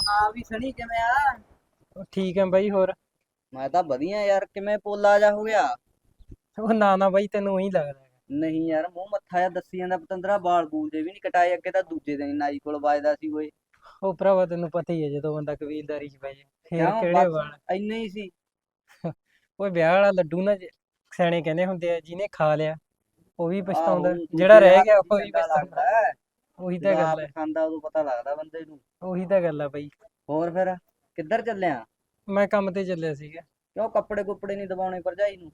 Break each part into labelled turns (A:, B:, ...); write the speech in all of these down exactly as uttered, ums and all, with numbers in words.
A: ਹਾਂ ਵੀ ਸਣੀ ਕਿਵੇਂ ਆ?
B: ਉਹ ਠੀਕ ਹੈ ਬਾਈ। ਹੋਰ
A: ਮੈਂ ਤਾਂ ਵਧੀਆ ਯਾਰ, ਕਿਵੇਂ ਪੋਲਾ ਜਾ ਹੋ ਗਿਆ?
B: ਉਹ ਨਾ ਨਾ ਬਾਈ, ਤੈਨੂੰ ਉਹੀ ਲੱਗਦਾ ਹੈਗਾ।
A: ਨਹੀਂ ਯਾਰ, ਮੂੰਹ ਮੱਥਾ ਜਿਹਾ ਦੱਸੀ ਜਾਂਦਾ ਪਤੰਦਰਾ, ਬਾਲ ਬੂਲ ਜੇ ਵੀ ਨਹੀਂ ਕਟਾਏ, ਅੱਗੇ ਤਾਂ ਦੂਜੇ ਦਿਨ ਹੀ ਨਾਈ ਕੋਲ ਵੱਜਦਾ ਸੀ ਓਏ।
B: ਉਹ ਭਰਾਵਾ ਤੈਨੂੰ ਪਤਾ ਹੀ ਹੈ, ਜਦੋਂ ਬੰਦਾ ਕਬੀਲਦਾਰੀ 'ਚ ਪੈ ਜਾਏ ਫੇਰ
A: ਕਿਉਂ
B: ਕਿਹੜੇ
A: ਬਸ
B: ਵਾਲ।
A: ਇੰਨੇ ਹੀ ਸੀ?
B: ਉਹ ਵਿਆਹ ਵਾਲਾ ਲੱਡੂ ਨਾ, ਜੇ- ਸਿਆਣੇ ਕਹਿੰਦੇ ਹੁੰਦੇ ਆ, ਜਿਹਨੇ ਖਾ ਲਿਆ ਉਹ ਵੀ
A: ਆਹੋ,
B: ਪਛਤਾਉਂਦਾ, ਜਿਹੜਾ
A: ਦੂਜੇ ਦੇ
B: ਰਹਿ
A: ਹੱਥ
B: ਗਿਆ
A: ਦੀ
B: ਉਹ ਵੀ
A: ਚੰਗਾ
B: ਪਛਤਾਉਂਦਾ।
A: ਲੱਗਦਾ ਹੈ।
B: ਉਹੀ ਤਾਂ
A: ਜਦੋਂ
B: ਗੱਲ
A: ਆਪ
B: ਹੈ।
A: ਖਾਂਦਾ ਉਦੋਂ ਪਤਾ ਲੱਗਦਾ ਬੰਦੇ ਨੂੰ।
B: ਉਹੀ ਤਾਂ ਗੱਲ ਆ ਬਾਈ।
A: ਹੋਰ ਫਿਰ ਕਿੱਧਰ ਚੱਲਿਆ?
B: ਮੈਂ ਕੰਮ ਤੇ ਚੱਲਿਆ ਸੀਗਾ।
A: ਕਿਉਂ ਕੱਪੜੇ ਕੁੱਪੜੇ ਨਹੀਂ ਦਬਾਉਣੇ ਭਰਜਾਈ ਨੂੰ?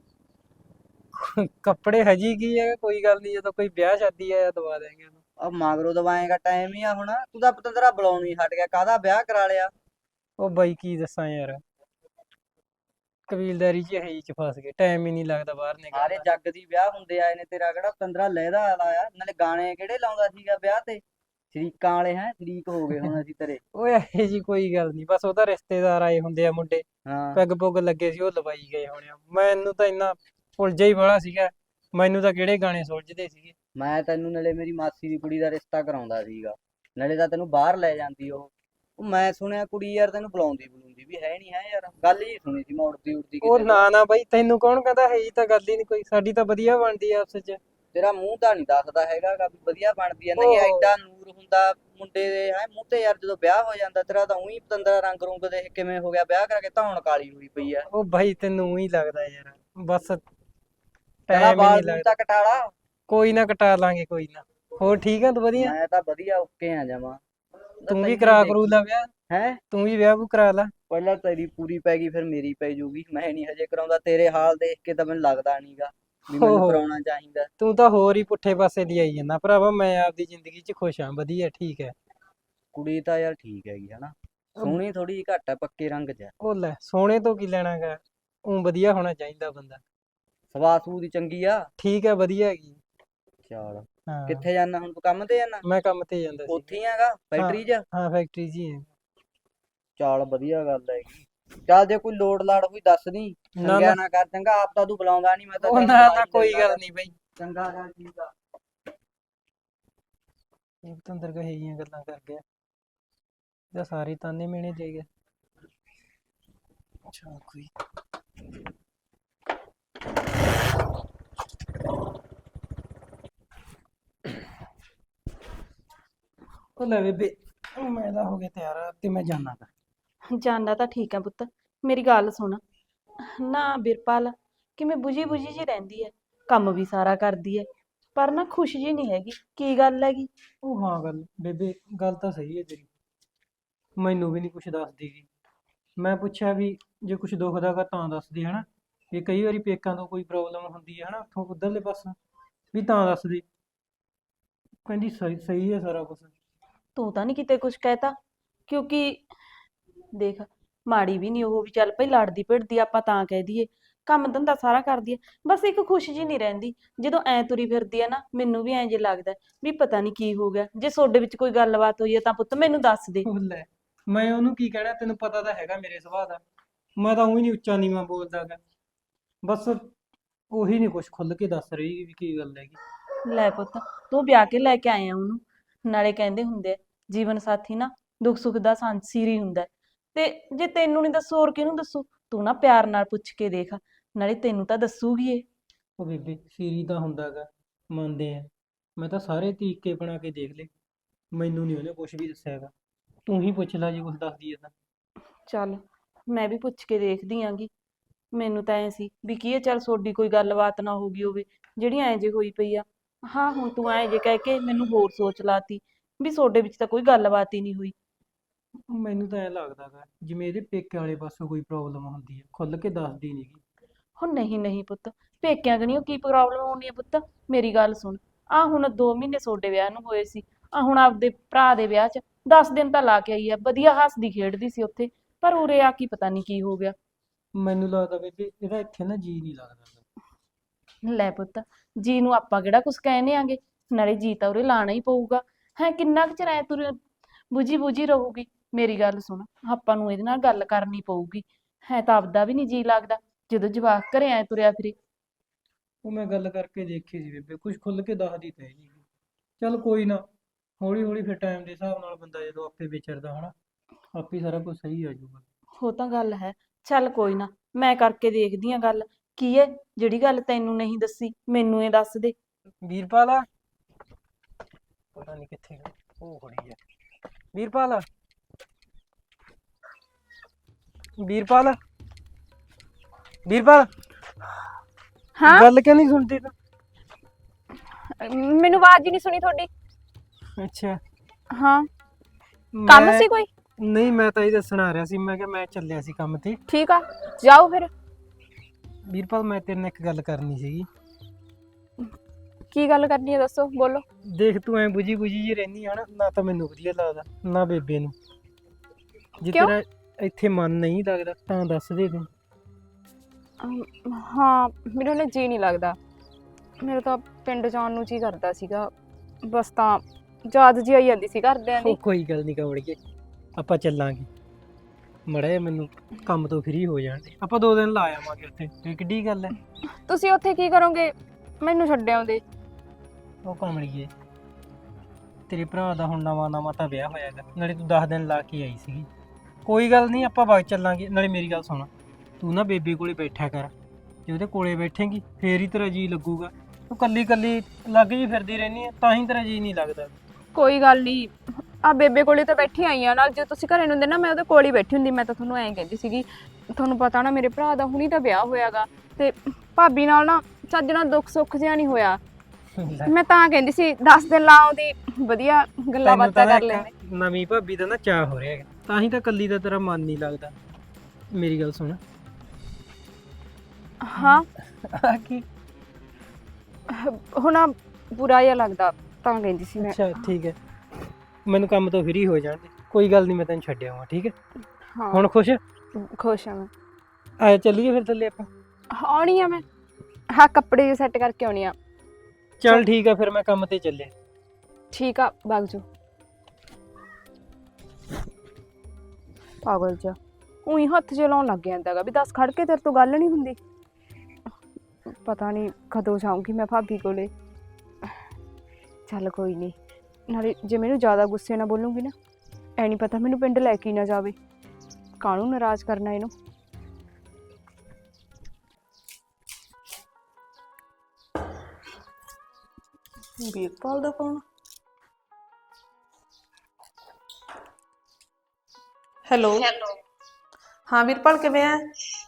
B: ਕੱਪੜੇ ਹਜੀ ਕੀ ਹੈ, ਕੋਈ ਗੱਲ ਨਹੀਂ, ਜਦੋਂ ਕੋਈ ਵਿਆਹ ਸ਼ਾਦੀ ਆ ਦਵਾ ਦੇਂਗੇ ਉਹਨੂੰ।
A: ਆ ਮਗਰੋਂ ਦਵਾਏਗਾ, ਟਾਈਮ ਹੀ ਆ ਹੁਣ। ਤੂੰ ਤਾਂ ਪਤੰਦਰਾ ਬੁਲਾਉਣ ਹੀ ਹਟ ਗਿਆ, ਕਾਹਦਾ ਵਿਆਹ ਕਰਾ ਲਿਆ?
B: ਉਹ ਬਾਈ ਕੀ ਦੱਸਾਂ ਯਾਰ, ਕਬੀਲਦਾਰੀ 'ਚ ਹੈ ਚ ਫਸ ਗਏ, ਟਾਈਮ ਹੀ ਨਹੀਂ ਲੱਗਦਾ ਬਾਹਰ ਨਿਕਲਣ
A: ਸਾਰੇ
B: ਦਾ।
A: ਜੱਗ ਦੀ ਵਿਆਹ ਹੁੰਦੇ ਆਏ ਨੇ, ਤੇਰਾ ਕਿਹੜਾ ਪਤੰਦਰਾ ਲਹਿਦਾ ਲਾਇਆ? ਨਾਲੇ ਗਾਣੇ ਕਿਹੜੇ ਲਾਉਂਦਾ ਸੀਗਾ ਵਿਆਹ ਤੇ? ਸ਼ਰੀਕਾਂ ਵਾਲੇ ਹੈ, ਸ਼ਰੀਕ ਹੋ ਗਏ ਹੁਣ ਅਸੀਂ ਤੇਰੇ।
B: ਓਏ ਇਹੋ ਜੀ ਕੋਈ ਗੱਲ ਨਹੀਂ, ਬਸ ਉਹਦਾ ਰਿਸ਼ਤੇਦਾਰ ਆਏ ਹੁੰਦੇ ਆ ਮੁੰਡੇ,
A: ਹਾਂ,
B: ਪੈਗ ਪੁੱਗ ਲੱਗੇ ਸੀ, ਉਹ ਲਵਾਈ ਗਏ ਹੋਣੇ ਆ। ਮੈਨੂੰ ਤਾਂ ਇੰਨਾ ਉਲਝਿਆ ਹੀ ਬੜਾ ਸੀਗਾ, ਮੈਨੂੰ ਤਾਂ ਕਿਹੜੇ ਗਾਣੇ ਸੁਲਝਦੇ ਸੀਗੇ।
A: ਮੈਂ ਤੈਨੂੰ ਨਾਲੇ ਮੇਰੀ ਮਾਸੀ ਦੀ ਕੁੜੀ ਦਾ ਰਿਸ਼ਤਾ ਕਰਾਉਂਦਾ ਸੀਗਾ, ਨਾਲੇ ਤਾਂ ਤੈਨੂੰ ਬਾਹਰ ਲੈ ਜਾਂਦੀ ਉਹ। ਉਹ ਮੈਂ ਸੁਣਿਆ ਕੁੜੀ ਯਾਰ ਤੈਨੂੰ ਬੁਲਾਉਂਦੀ ਬੁਲਾਉਂਦੀ ਵੀ ਹੈ ਨਹੀਂ ਹੈ ਯਾਰ, ਗੱਲ ਹੀ ਸੁਣੀ ਸੀ ਮੈਂ ਉੜਦੀ ਉੜਦੀ
B: ਉਹ
A: ਕਿਸੇ ਤੋਂ।
B: ਨਾ ਨਾ ਬਾਈ, ਤੈਨੂੰ ਕੌਣ ਕਹਿੰਦਾ, ਹੈ ਹੀ ਤਾਂ ਗੱਲ ਹੀ ਨਹੀਂ ਕੋਈ, ਸਾਡੀ ਤਾਂ ਵਧੀਆ ਬਣਦੀ ਆ ਆਪਸ 'ਚ।
A: ਤੇਰਾ ਮੂੰਹ ਤਾਂ ਨਹੀਂ ਦੱਸਦਾ ਹੈਗਾ ਗਾ ਵੀ ਵਧੀਆ ਬਣਦੀ ਐ, ਨਹੀਂ
B: ਓਹੋ,
A: ਐਡਾ ਨੂਰ ਹੁੰਦਾ ਮੁੰਡੇ ਦੇ ਹੈ ਮੂੰਹ ਤੇ ਯਾਰ, ਜਦੋਂ ਵਿਆਹ ਹੋ ਜਾਂਦਾ ਤੇਰਾ ਤਾਂ ਉਹੀ ਪਤੰਦਰਾ ਰੰਗ ਰੁੰਗ ਦੇਖ ਕਿਵੇਂ ਹੋ ਗਿਆ, ਵਿਆਹ ਕਰਕੇ ਧੌਣ ਕਾਲੀ ਹੋਈ ਪਈ ਆ।
B: ਉਹ ਬਾਈ ਤੈਨੂੰ ਹੀ ਲੱਗਦਾ ਯਾਰ, ਬਸ
A: ਚਲਾ
B: ਟਾਈਮ ਹੀ
A: ਬਾਲ
B: ਨਹੀਂ
A: ਬੂਲ
B: ਲੱਗਦਾ।
A: ਤਾਂ ਕਟਾਲਾ।
B: ਕੋਈ ਨਾ ਕਟਾ ਲਾਂਗੇ, ਕੋਈ ਨਾ। ਹੋਰ ਠੀਕ ਆ ਤੂੰ? ਵਧੀਆ।
A: ਮੈਂ ਤਾਂ ਵਧੀਆ ਓਕੇ ਆ ਜਾਵਾਂ। ਤਾਂ
B: ਤੂੰ ਵੀ
A: ਤੈਨੂੰ
B: ਕਰਾ ਕਰੂ
A: ਦੇਖੀ
B: ਲਾ ਵਿਆਹ,
A: ਹੈ।
B: ਤੂੰ ਵੀ ਵਿਆਹ ਵੂ ਕਰਾ ਲਾ।
A: ਪਹਿਲਾਂ ਤੇਰੀ ਪੂਰੀ ਪੈ ਗਈ, ਫਿਰ ਮੇਰੀ ਪੈ ਜੂਗੀ। ਮੈਂ ਨਹੀਂ ਹਜੇ ਕਰਾਉਂਦਾ, ਤੇਰੇ ਹਾਲ ਦੇਖ ਕੇ ਤਾਂ ਮੈਨੂੰ ਲੱਗਦਾ ਨਹੀਂਗਾ ਵੀ ਮੈਨੂੰ
B: ਓਹੋ,
A: ਕਰਾਉਣਾ ਚਾਹੀਦਾ।
B: ਤੂੰ ਤਾਂ ਹੋਰ ਹੀ ਪੁੱਠੇ ਪਾਸੇ ਦੀ ਆਈ ਜਾਂਦਾ ਭਰਾਵਾ, ਮੈਂ ਆਪਦੀ ਜ਼ਿੰਦਗੀ 'ਚ ਖੁਸ਼ ਹਾਂ, ਵਧੀਆ ਠੀਕ ਹੈ।
A: ਕੁੜੀ ਤਾਂ ਯਾਰ ਠੀਕ ਹੈਗੀ ਹਨਾ,
B: ਉਹ
A: ਸੋਹਣੀ ਥੋੜੀ ਜਿਹੀ ਘੱਟ ਹੈ, ਪੱਕੇ ਰੰਗ 'ਚ ਹੈ।
B: ਉਹ ਲੈ, ਸੋਹਣੇ ਤੋਂ ਕੀ ਲੈਣਾ ਗਾ, ਉਹ ਵਧੀਆ ਹੋਣਾ ਚਾਹੀਦਾ ਬੰਦਾ।
A: ਸਵਾਹ ਸੂ ਦੀ ਚੰਗੀ ਆ।
B: ਠੀਕ ਹੈ, ਵਧੀਆ ਹੈਗੀ।
A: ਚਲ,
B: ਹਾਂ,
A: ਕਿੱਥੇ ਜਾਣਾ ਹੁਣ ਤੂੰ? ਕੰਮ ਤੇ ਜਾਣਾ?
B: ਮੈਂ ਕੰਮ ਤੇ ਜਾਂਦਾ
A: ਉੱਥੇ
B: ਸੀਗਾ।
A: ਹੀ ਹੈਗਾ
B: ਹਾਂ
A: ਫੈਕਟਰੀ 'ਚ?
B: ਹਾਂ, ਫੈਕਟਰੀ 'ਚ ਹੀ ਹੈ।
A: ਚੱਲ ਵਧੀਆ ਗੱਲ ਹੈਗੀ। ਚੱਲ ਜੇ ਕੋਈ ਲੋੜ ਲਾੜ ਹੋਈ ਦੱਸ ਦੀ,
B: ਨਾ ਨਾ,
A: ਸੰਗਿਆ ਨਾ ਕਰ ਚੰਗਾ, ਆਪ ਤਾਂ ਤੂੰ ਬੁਲਾਉਂਦਾ ਨਹੀਂ, ਮੈਂ ਤਾਂ
B: ਉਹ
A: ਚੱਲ
B: ਨਾ
A: ਬੁਲਾ
B: ਨਾ,
A: ਹੀ
B: ਕੋਈ
A: ਲੈਂਦਾ
B: ਗੱਲ
A: ਗਾ।
B: ਨਹੀਂ ਬਈ।
A: ਚੰਗਾ ਗੱਲ ਠੀਕ ਆ।
B: ਇਹ ਤਾਂ ਅੰਦਰ ਕਹੇ ਜੀਆਂ ਗੱਲਾਂ ਕਰ ਗਿਆ, ਇਹਦਾ ਸਾਰੇ ਤਾਨੇ ਮੇਣੇ ਦੇ ਗਿਆ। ਅੱਛਾ ਕੋਈ, ਉਹ ਲੈ ਬੇਬੇ, ਮੈਂ ਤਾਂ ਹੋ ਗਿਆ ਤਿਆਰ ਤੇ ਮੈਂ ਜਾਣਾ ਗਾ।
C: ਜਾਣਾ ਤਾਂ ਠੀਕ ਆ ਪੁੱਤ, ਮੇਰੀ ਗੱਲ ਸੁਣ। ਨਾ ਬਿਰਪਾਲ ਕਿਵੇਂ ਬੁਝੀ ਬੁਝੀ ਜੀ ਰਹਿੰਦੀ ਐ, ਕੰਮ ਵੀ ਸਾਰਾ ਕਰਦੀ ਐ, ਪਰ ਨਾ ਖੁਸ਼ ਜੀ ਨਹੀਂ ਹੈਗੀ, ਕੀ ਗੱਲ ਹੈਗੀ?
B: ਉਹ ਹਾਂ ਗੱਲ ਬੇਬੇ, ਗੱਲ ਤਾਂ ਸਹੀ ਹੈ ਤੇਰੀ, ਮੈਨੂੰ ਵੀ ਨਹੀਂ ਕੁਛ ਦੱਸਦੀ ਗੀ। ਮੈਂ ਪੁੱਛਿਆ ਵੀ ਜੇ ਕੁਛ ਦੁਖਦਾ ਗਾ ਤਾਂ ਦੱਸਦੀ ਹਨਾ, ਵੀ ਕਈ ਵਾਰੀ ਪੇਕਾਂ ਤੋਂ ਕੋਈ ਪ੍ਰੋਬਲਮ ਹੁੰਦੀ ਹੈ ਹਨਾ, ਉੱਥੋਂ ਉੱਧਰਲੇ ਪਾਸੋਂ ਵੀ ਤਾਂ ਦੱਸਦੀ। ਕਹਿੰਦੀ ਸਹੀ ਸਹੀ ਹੈ ਸਾਰਾ ਕੁਛ।
C: ਤੂੰ ਤਾਂ ਨਹੀਂ ਕਿਤੇ ਕੁਛ ਕਹਿਤਾ? ਕਿਉਂਕਿ ਦੇਖ, ਮਾੜੀ ਵੀ ਨਹੀਂ ਉਹ, ਵੀ ਚੱਲ ਭਈ ਲੜਦੀ ਭਿੜਦੀ ਆਪਾਂ ਤਾਂ ਕਹਿ ਦਈਏ, ਕੰਮ ਧੰਦਾ ਸਾਰਾ ਕਰਦੀ ਐ, ਬਸ ਇੱਕ ਖੁਸ਼ ਜੀ ਨਹੀਂ ਰਹਿੰਦੀ। ਜਦੋਂ ਐ ਤੁਰੀ ਫਿਰਦੀ ਐ ਨਾ, ਮੈਨੂੰ ਵੀ ਐਂ ਜੇ ਲੱਗਦਾ ਵੀ ਪਤਾ ਨਹੀਂ ਕੀ ਹੋ ਗਿਆ। ਜੇ ਤੁਹਾਡੇ ਵਿੱਚ ਕੋਈ ਗੱਲਬਾਤ ਹੋਈ ਹੈ ਤਾਂ ਪੁੱਤ ਮੈਨੂੰ ਦੱਸ ਦੇ।
B: ਉਹ ਲੈ, ਮੈਂ ਉਹਨੂੰ ਕੀ ਕਹਿਣਾ, ਤੈਨੂੰ ਪਤਾ ਤਾਂ ਹੈਗਾ ਮੇਰੇ ਸੁਭਾਅ ਦਾ, ਮੈਂ ਤਾਂ ਉਹੀ ਨਹੀਂ ਉੱਚਾ ਨੀਵਾਂ ਬੋਲਦਾ ਗਾ, ਬਸ ਉਹੀ ਨਹੀਂ ਕੁਛ ਖੁੱਲ ਕੇ ਦੱਸ ਰਹੀ ਵੀ ਕੀ ਗੱਲ ਹੈਗੀ।
C: ਲੈ ਪੁੱਤ, ਤੂੰ ਵਿਆਹ ਕੇ ਲੈ ਕੇ ਆਇਆ ਉਹਨੂੰ, ਨਾਲੇ ਕਹਿੰਦੇ ਹੁੰਦੇ ਆ ਜੀਵਨ ਸਾਥੀ ਨਾ ਦੁੱਖ ਸੁੱਖ ਦਾ ਸਾਂਝੀ ਹੁੰਦਾ ਹੈ। ਤੇ ਜੇ ਤੈਨੂੰ ਨਹੀਂ ਦੱਸੂ ਹੋਰ ਕਿਹਨੂੰ ਦੱਸੂ? ਤੂੰ ਨਾ ਪਿਆਰ ਨਾਲ ਪੁੱਛ ਕੇ ਦੇਖ, ਨਾਲੇ ਤੈਨੂੰ ਤਾਂ ਦੱਸੂਗੀ ਏ।
B: ਉਹ ਬੇਬੇ ਸੀਰੀ ਤਾਂ ਹੁੰਦਾ ਗਾ, ਮੰਨਦੇ ਆ, ਮੈਂ ਤਾਂ ਸਾਰੇ ਤਰੀਕੇ ਬਣਾ ਕੇ ਦੇਖ ਲਏ, ਮੈਨੂੰ ਨਹੀਂ ਉਹਨੇ ਕੁਛ ਵੀ ਦੱਸਿਆ ਹੈਗਾ। ਤੂੰ ਹੀ ਪੁੱਛ ਲੈ ਜੇ ਕੁਛ ਦੱਸਦੀ ਹੈ ਤਾਂ।
C: ਚੱਲ, ਮੈਂ ਵੀ ਪੁੱਛ ਕੇ ਦੇਖਦੀ ਆਂਗੀ। ਮੈਨੂੰ ਤਾਂ ਐ ਸੀ ਵੀ ਕੀ ਇਹ, ਚੱਲ ਸੋਡੀ ਕੋਈ ਗੱਲਬਾਤ ਨਾ ਹੋ ਗਈ ਹੋਵੇ ਜਿਹੜੀ ਐਂ ਜੇ ਹੋਈ ਪਈ ਆ। ਹਾਂ ਹੁਣ ਤੂੰ ਐਂ ਜੇ ਕਹਿ ਕੇ ਮੈਨੂੰ ਹੋਰ ਸੋਚ ਲਾਤੀ ਵੀ ਸੋਡੇ ਵਿੱਚ ਤਾਂ ਕੋਈ ਗੱਲਬਾਤ ਹੀ ਨਹੀਂ ਹੋਈ।
B: ਮੈਨੂੰ ਤਾਂ ਐਂ ਲੱਗਦਾ ਗਾ ਜਿਵੇਂ ਇਹਦੇ ਪੇਕੇ ਵਾਲੇ ਪਾਸੋਂ ਕੋਈ ਪ੍ਰੋਬਲਮ ਹੁੰਦੀ ਹੈ, ਖੁੱਲ ਕੇ ਦੱਸਦੀ ਨੀ ਗੀ।
C: ਹੁਣ ਨਹੀਂ ਨਹੀਂ ਪੁੱਤ, ਪੇਕਿਆਂ ਕਣੀਓ ਕੀ ਪ੍ਰੋਬਲਮ ਹੋਣੀ ਹੈ ਪੁੱਤ? ਮੇਰੀ ਗੱਲ ਸੁਣ, ਆ ਹੁਣ ਦੋ ਮਹੀਨੇ ਸੋਡੇ ਵਿਆਹ ਨੂੰ ਹੋਏ ਸੀ, ਆ ਹੁਣ ਆਪਦੇ ਭਰਾ ਦੇ ਵਿਆਹ 'ਚ ਦਸ ਦਿਨ ਤਾਂ ਲਾ ਕੇ ਆਈ ਆ, ਵਧੀਆ ਹੱਸਦੀ ਖੇਡਦੀ ਸੀ ਉੱਥੇ, ਪਰ ਉਰੇ ਆ ਕੀ ਪਤਾ ਨਹੀਂ ਕੀ ਹੋ ਗਿਆ।
B: ਮੈਨੂੰ ਲੱਗਦਾ ਬੇਬੇ ਇਹਦਾ ਇੱਥੇ ਨਾ ਜੀ ਨਹੀਂ ਲੱਗਦਾ ਗਾ।
C: ਲੈ ਪੁੱਤ, ਜੀ ਨੂੰ ਆਪਾਂ ਕਿਹੜਾ ਕੁਛ ਕਹਿੰਦੇ ਆਂਗੇ, ਨਾਲੇ ਜੀ ਤਾਂ ਉਰੇ ਲਾਣਾ ਹੀ ਪਊਗਾ। ਹੈ ਕਿੰਨਾ ਕੁ ਚਿਰ ਐ ਤੁਰ ਬੁਝੀ ਬੁਝੀ ਰਹੂਗੀ? ਮੇਰੀ ਗੱਲ ਸੁਣ, ਆਪਾਂ ਨੂੰ ਇਹਦੇ ਨਾਲ ਗੱਲ ਕਰਨੀ ਪਊਗੀ। ਹੈ ਤਾਂ ਆਪਦਾ ਵੀ ਨਹੀਂ ਜੀ ਲੱਗਦਾ ਜਦੋਂ ਜਵਾਕ ਘਰੇ ਐ ਤੁਰਿਆ ਫਿਰੇ।
B: ਉਹ ਮੈਂ ਗੱਲ ਕਰਕੇ ਦੇਖੀ ਸੀ ਬੇਬੇ, ਕੁਛ ਖੁੱਲ ਕੇ ਦੱਸਦੀ ਤਾਂ ਹੈ ਨਹੀਂ ਗੀ। ਚੱਲ ਕੋਈ ਨਾ, ਹੌਲੀ ਹੌਲੀ ਫਿਰ ਟਾਈਮ ਦੇ ਹਿਸਾਬ ਨਾਲ ਬੰਦਾ ਜਦੋਂ ਆਪੇ ਵਿਚਰਦਾ ਹਨਾ, ਆਪੇ ਸਾਰਾ ਕੁਝ ਸਹੀ ਆ ਜਾਊਗਾ।
C: ਉਹ ਤਾਂ ਗੱਲ ਹੈ। ਚੱਲ ਕੋਈ ਨਾ, ਮੈਂ ਕਰਕੇ ਦੇਖਦੀ ਆ ਗੱਲ। ਕੀ ਹੈ ਜਿਹੜੀ ਗੱਲ ਤੈਨੂੰ ਨਹੀਂ ਦੱਸੀ, ਮੈਨੂੰ ਇਹ ਦੱਸ ਦੇ।
B: ਵੀਰਪਾਲ ਆ ਪਤਾ ਨਹੀਂ ਕਿੱਥੇ ਗਈ, ਉਹ ਖੜੀ ਆ। ਵੀਰਪਾਲ ਵੀਰਪਾਲ ਵੀਰਪਾਲ
D: ਹਾਂ
B: ਗੱਲ ਕਿਉਂ ਨਹੀਂ ਸੁਣਦੀ ਤੂੰ?
D: ਮੈਨੂੰ ਆਵਾਜ਼ ਹੀ ਨਹੀਂ ਸੁਣੀ ਤੁਹਾਡੀ।
B: ਅੱਛਾ
D: ਹਾਂ ਕੰਮ
B: ਮੈਂ-
D: ਸੀ ਕੋਈ?
B: ਨਹੀਂ ਮੈਂ ਤਾਂ ਇਹ ਦੱਸਣ ਆ ਰਿਹਾ ਸੀ, ਮੈਂ ਕਿਹਾ ਮੈਂ ਚੱਲਿਆ ਸੀ ਕੰਮ ਤੇ।
D: ਠੀਕ ਆ, ਜਾਓ ਫਿਰ।
B: ਵੀਰਪਾਲ ਮੈਂ ਤੇਰੇ ਨਾਲ ਇੱਕ ਗੱਲ ਕਰਨੀ ਸੀਗੀ।
D: ਕੀ ਗੱਲ ਕਰਨੀ ਹੈ ਦੱਸੋ, ਬੋਲੋ।
B: ਦੇਖ ਤੂੰ ਐ ਬੁਝੀ ਬੁਝੀ ਜੀ ਰਹਿਨੀ ਆ ਨਾ, ਨਾ ਤਾਂ ਮੈਨੂੰ ਵਧੀਆ ਲੱਗਦਾ ਨਾ ਬੇਬੇ ਨੂੰ। ਜੇ
D: ਕਿਉਂ?
B: ਤੇਰਾ ਇੱਥੇ ਮਨ ਨਹੀਂ ਲੱਗਦਾ ਤਾਂ ਦੱਸ ਦੇ ਤੂੰ।
D: ਅਮ, ਹਾਂ ਮੈਨੂੰ ਨਾ ਜੀ ਨਹੀਂ ਲੱਗਦਾ। ਮੇਰਾ ਤਾਂ ਪਿੰਡ ਜਾਣ ਨੂੰ ਜੀ ਕਰਦਾ ਸੀਗਾ, ਬਸ ਤਾਂ ਯਾਦ ਜੀ ਆਈ ਜਾਂਦੀ ਸੀ ਘਰਦਿਆਂ ਦੀ।
B: ਉਹ ਕੋਈ ਗੱਲ ਨਹੀਂ ਕਵੜੀਏ, ਆਪਾਂ ਚੱਲਾਂਗੇ। ਮੜਾ ਜਿਹਾ ਮੈਨੂੰ ਕੰਮ ਤੋਂ ਫ੍ਰੀ ਹੋ ਜਾਣ ਦੇ, ਆਪਾਂ ਦੋ ਦਿਨ ਲਾ ਆਵਾਂਗੇ ਉੱਥੇ। ਇਹ ਕਿੱਡੀ ਗੱਲ ਹੈ?
D: ਤੁਸੀਂ ਉੱਥੇ ਕੀ ਕਰੋਗੇ? ਮੈਨੂੰ ਛੱਡ ਆਉਂਦੇ।
B: ਉਹ ਕਮਲੀਏ, ਤੇਰੇ ਭਰਾ ਦਾ ਹੁਣ ਨਵਾਂ ਨਵਾਂ ਤਾਂ ਵਿਆਹ ਹੋਇਆਗਾ, ਨਾਲੇ ਤੂੰ ਦਸ ਦਿਨ ਲਾ ਕੇ ਆਈ ਸੀਗੀ। ਕੋਈ ਗੱਲ ਨਹੀਂ ਆਪਾਂ ਬਾਅਦ ਚੱਲਾਂਗੇ। ਨਾਲੇ ਮੇਰੀ ਗੱਲ ਸੁਣ, ਤੂੰ ਨਾ ਬੇਬੇ ਕੋਲੇ ਬੈਠਿਆ ਕਰ। ਜੇ ਉਹਦੇ ਕੋਲੇ ਬੈਠੇਂਗੀ ਫੇਰ ਹੀ ਤੇਰਾ ਜੀ ਲੱਗੂਗਾ। ਤੂੰ ਕੱਲੀ ਕੱਲੀ ਲੱਗ ਜੀ ਫਿਰਦੀ ਰਹਿਨੀ ਆ, ਤਾਂ ਹੀ ਤੇਰਾ ਜੀ ਨਹੀਂ ਲੱਗਦਾ।
D: ਕੋਈ ਗੱਲ ਨਹੀਂ, ਆ ਬੇਬੇ ਕੋਲੇ ਤਾਂ ਬੈਠੀ ਆਈ ਆ ਨਾਲ। ਜੇ ਤੁਸੀਂ ਘਰੇ ਨੂੰ ਹੁੰਦੇ ਨਾ, ਮੈਂ ਉਹਦੇ ਕੋਲ ਹੀ ਬੈਠੀ ਹੁੰਦੀ। ਮੈਂ ਤਾਂ ਤੁਹਾਨੂੰ ਐਂ ਕਹਿੰਦੀ ਸੀਗੀ, ਤੁਹਾਨੂੰ ਪਤਾ ਨਾ ਮੇਰੇ ਭਰਾ ਦਾ ਹੁਣੀ ਤਾਂ ਵਿਆਹ ਹੋਇਆਗਾ, ਤੇ ਭਾਬੀ ਨਾਲ ਨਾ ਚੱਜ ਨਾਲ ਦੁੱਖ ਸੁੱਖ ਜਿਹਾ ਨਹੀਂ ਹੋਇਆ। ਮੈਂ ਤਾਂ ਕਹਿੰਦੀ ਸੀ ਦਸ ਦਿਨ ਲਾ ਆਉਂਦੀ, ਵਧੀਆ ਗੱਲਾਂ
B: ਤੈਨੂੰ
D: ਬਾਤਾਂ
B: ਤਾਂ
D: ਕਰ
B: ਨਾ
D: ਲੈਂਦੇ।
B: ਇੱਕ ਨਵੀਂ ਭਾਬੀ ਦਾ ਨਾ ਚਾਅ ਹੋ ਰਿਹਾ ਹੈਗਾ, ਤਾਂ ਹੀ ਤਾਂ ਕੱਲੀ ਦਾ ਤੇਰਾ ਮਨ ਨਹੀਂ ਲੱਗਦਾ। ਮੇਰੀ ਗੱਲ ਸੁਣ।
D: ਹਾਂ
B: ਆ ਕੀ?
D: ਹੁਣ ਆਹ ਬੁਰਾ ਜਿਹਾ ਲੱਗਦਾ, ਤਾਂ ਕਹਿੰਦੀ ਸੀ ਮੈਂ।
B: ਅੱਛਾ ਠੀਕ ਹੈ, ਮੈਨੂੰ ਕੰਮ ਤੋਂ ਫ੍ਰੀ ਹੋ ਜਾਣ ਦੇ। ਕੋਈ ਗੱਲ ਨਹੀਂ, ਮੈਂ ਤੈਨੂੰ ਛੱਡ ਆਵਾਂ, ਠੀਕ ਹੈ?
D: ਹਾਂ
B: ਹੁਣ ਖੁਸ਼?
D: ਖੁਸ਼ ਆ ਮੈਂ।
B: ਆ ਚੱਲੀਏ ਫਿਰ ਥੱਲੇ ਆਪਾਂ।
D: ਆਉਣੀ ਆ ਮੈਂ, ਹਾਂ ਕੱਪੜੇ ਜੇ ਸੈੱਟ ਕਰਕੇ ਆਉਣੀ ਆ।
B: ਚੱਲ ਠੀਕ ਆ, ਫਿਰ ਮੈਂ ਕੰਮ ਤੇ ਚੱਲਿਆ।
D: ਠੀਕ ਆ, ਵਗ ਜਾਓ। ਪਾਗਲ ਜਿਹਾ ਉਹੀ ਹੱਥ ਜੇ ਲਾਉਣ ਲੱਗ ਜਾਂਦਾਗਾ ਵੀ ਦੱਸ ਖੜ ਕੇ ਤੇਰੇ ਤੋਂ ਗੱਲ ਨਹੀਂ ਹੁੰਦੀ। ਪਤਾ ਨਹੀਂ ਕਦੋਂ ਜਾਊਂਗੀ ਮੈਂ ਭਾਬੀ ਕੋਲੇ। ਚੱਲ ਕੋਈ ਨਹੀਂ, ਨਾਲੇ ਜੇ ਮੈਨੂੰ ਜ਼ਿਆਦਾ ਗੁੱਸੇ ਨਾਲ ਬੋਲੂੰਗੀ ਨਾ, ਐ ਨਹੀਂ ਪਤਾ ਮੈਨੂੰ ਪਿੰਡ ਲੈ ਕੇ ਹੀ ਨਾ ਜਾਵੇ। ਕਾਹਨੂੰ ਨਾਰਾਜ਼ ਕਰਨਾ ਇਹਨੂੰ। ਵੀਰਪਾਲ ਦਾ ਫੋਨ।
E: Hello
F: hello.
E: ਹਾਂ ਵੀਰਪਾਲ ਕਿਵੇਂ ਆ?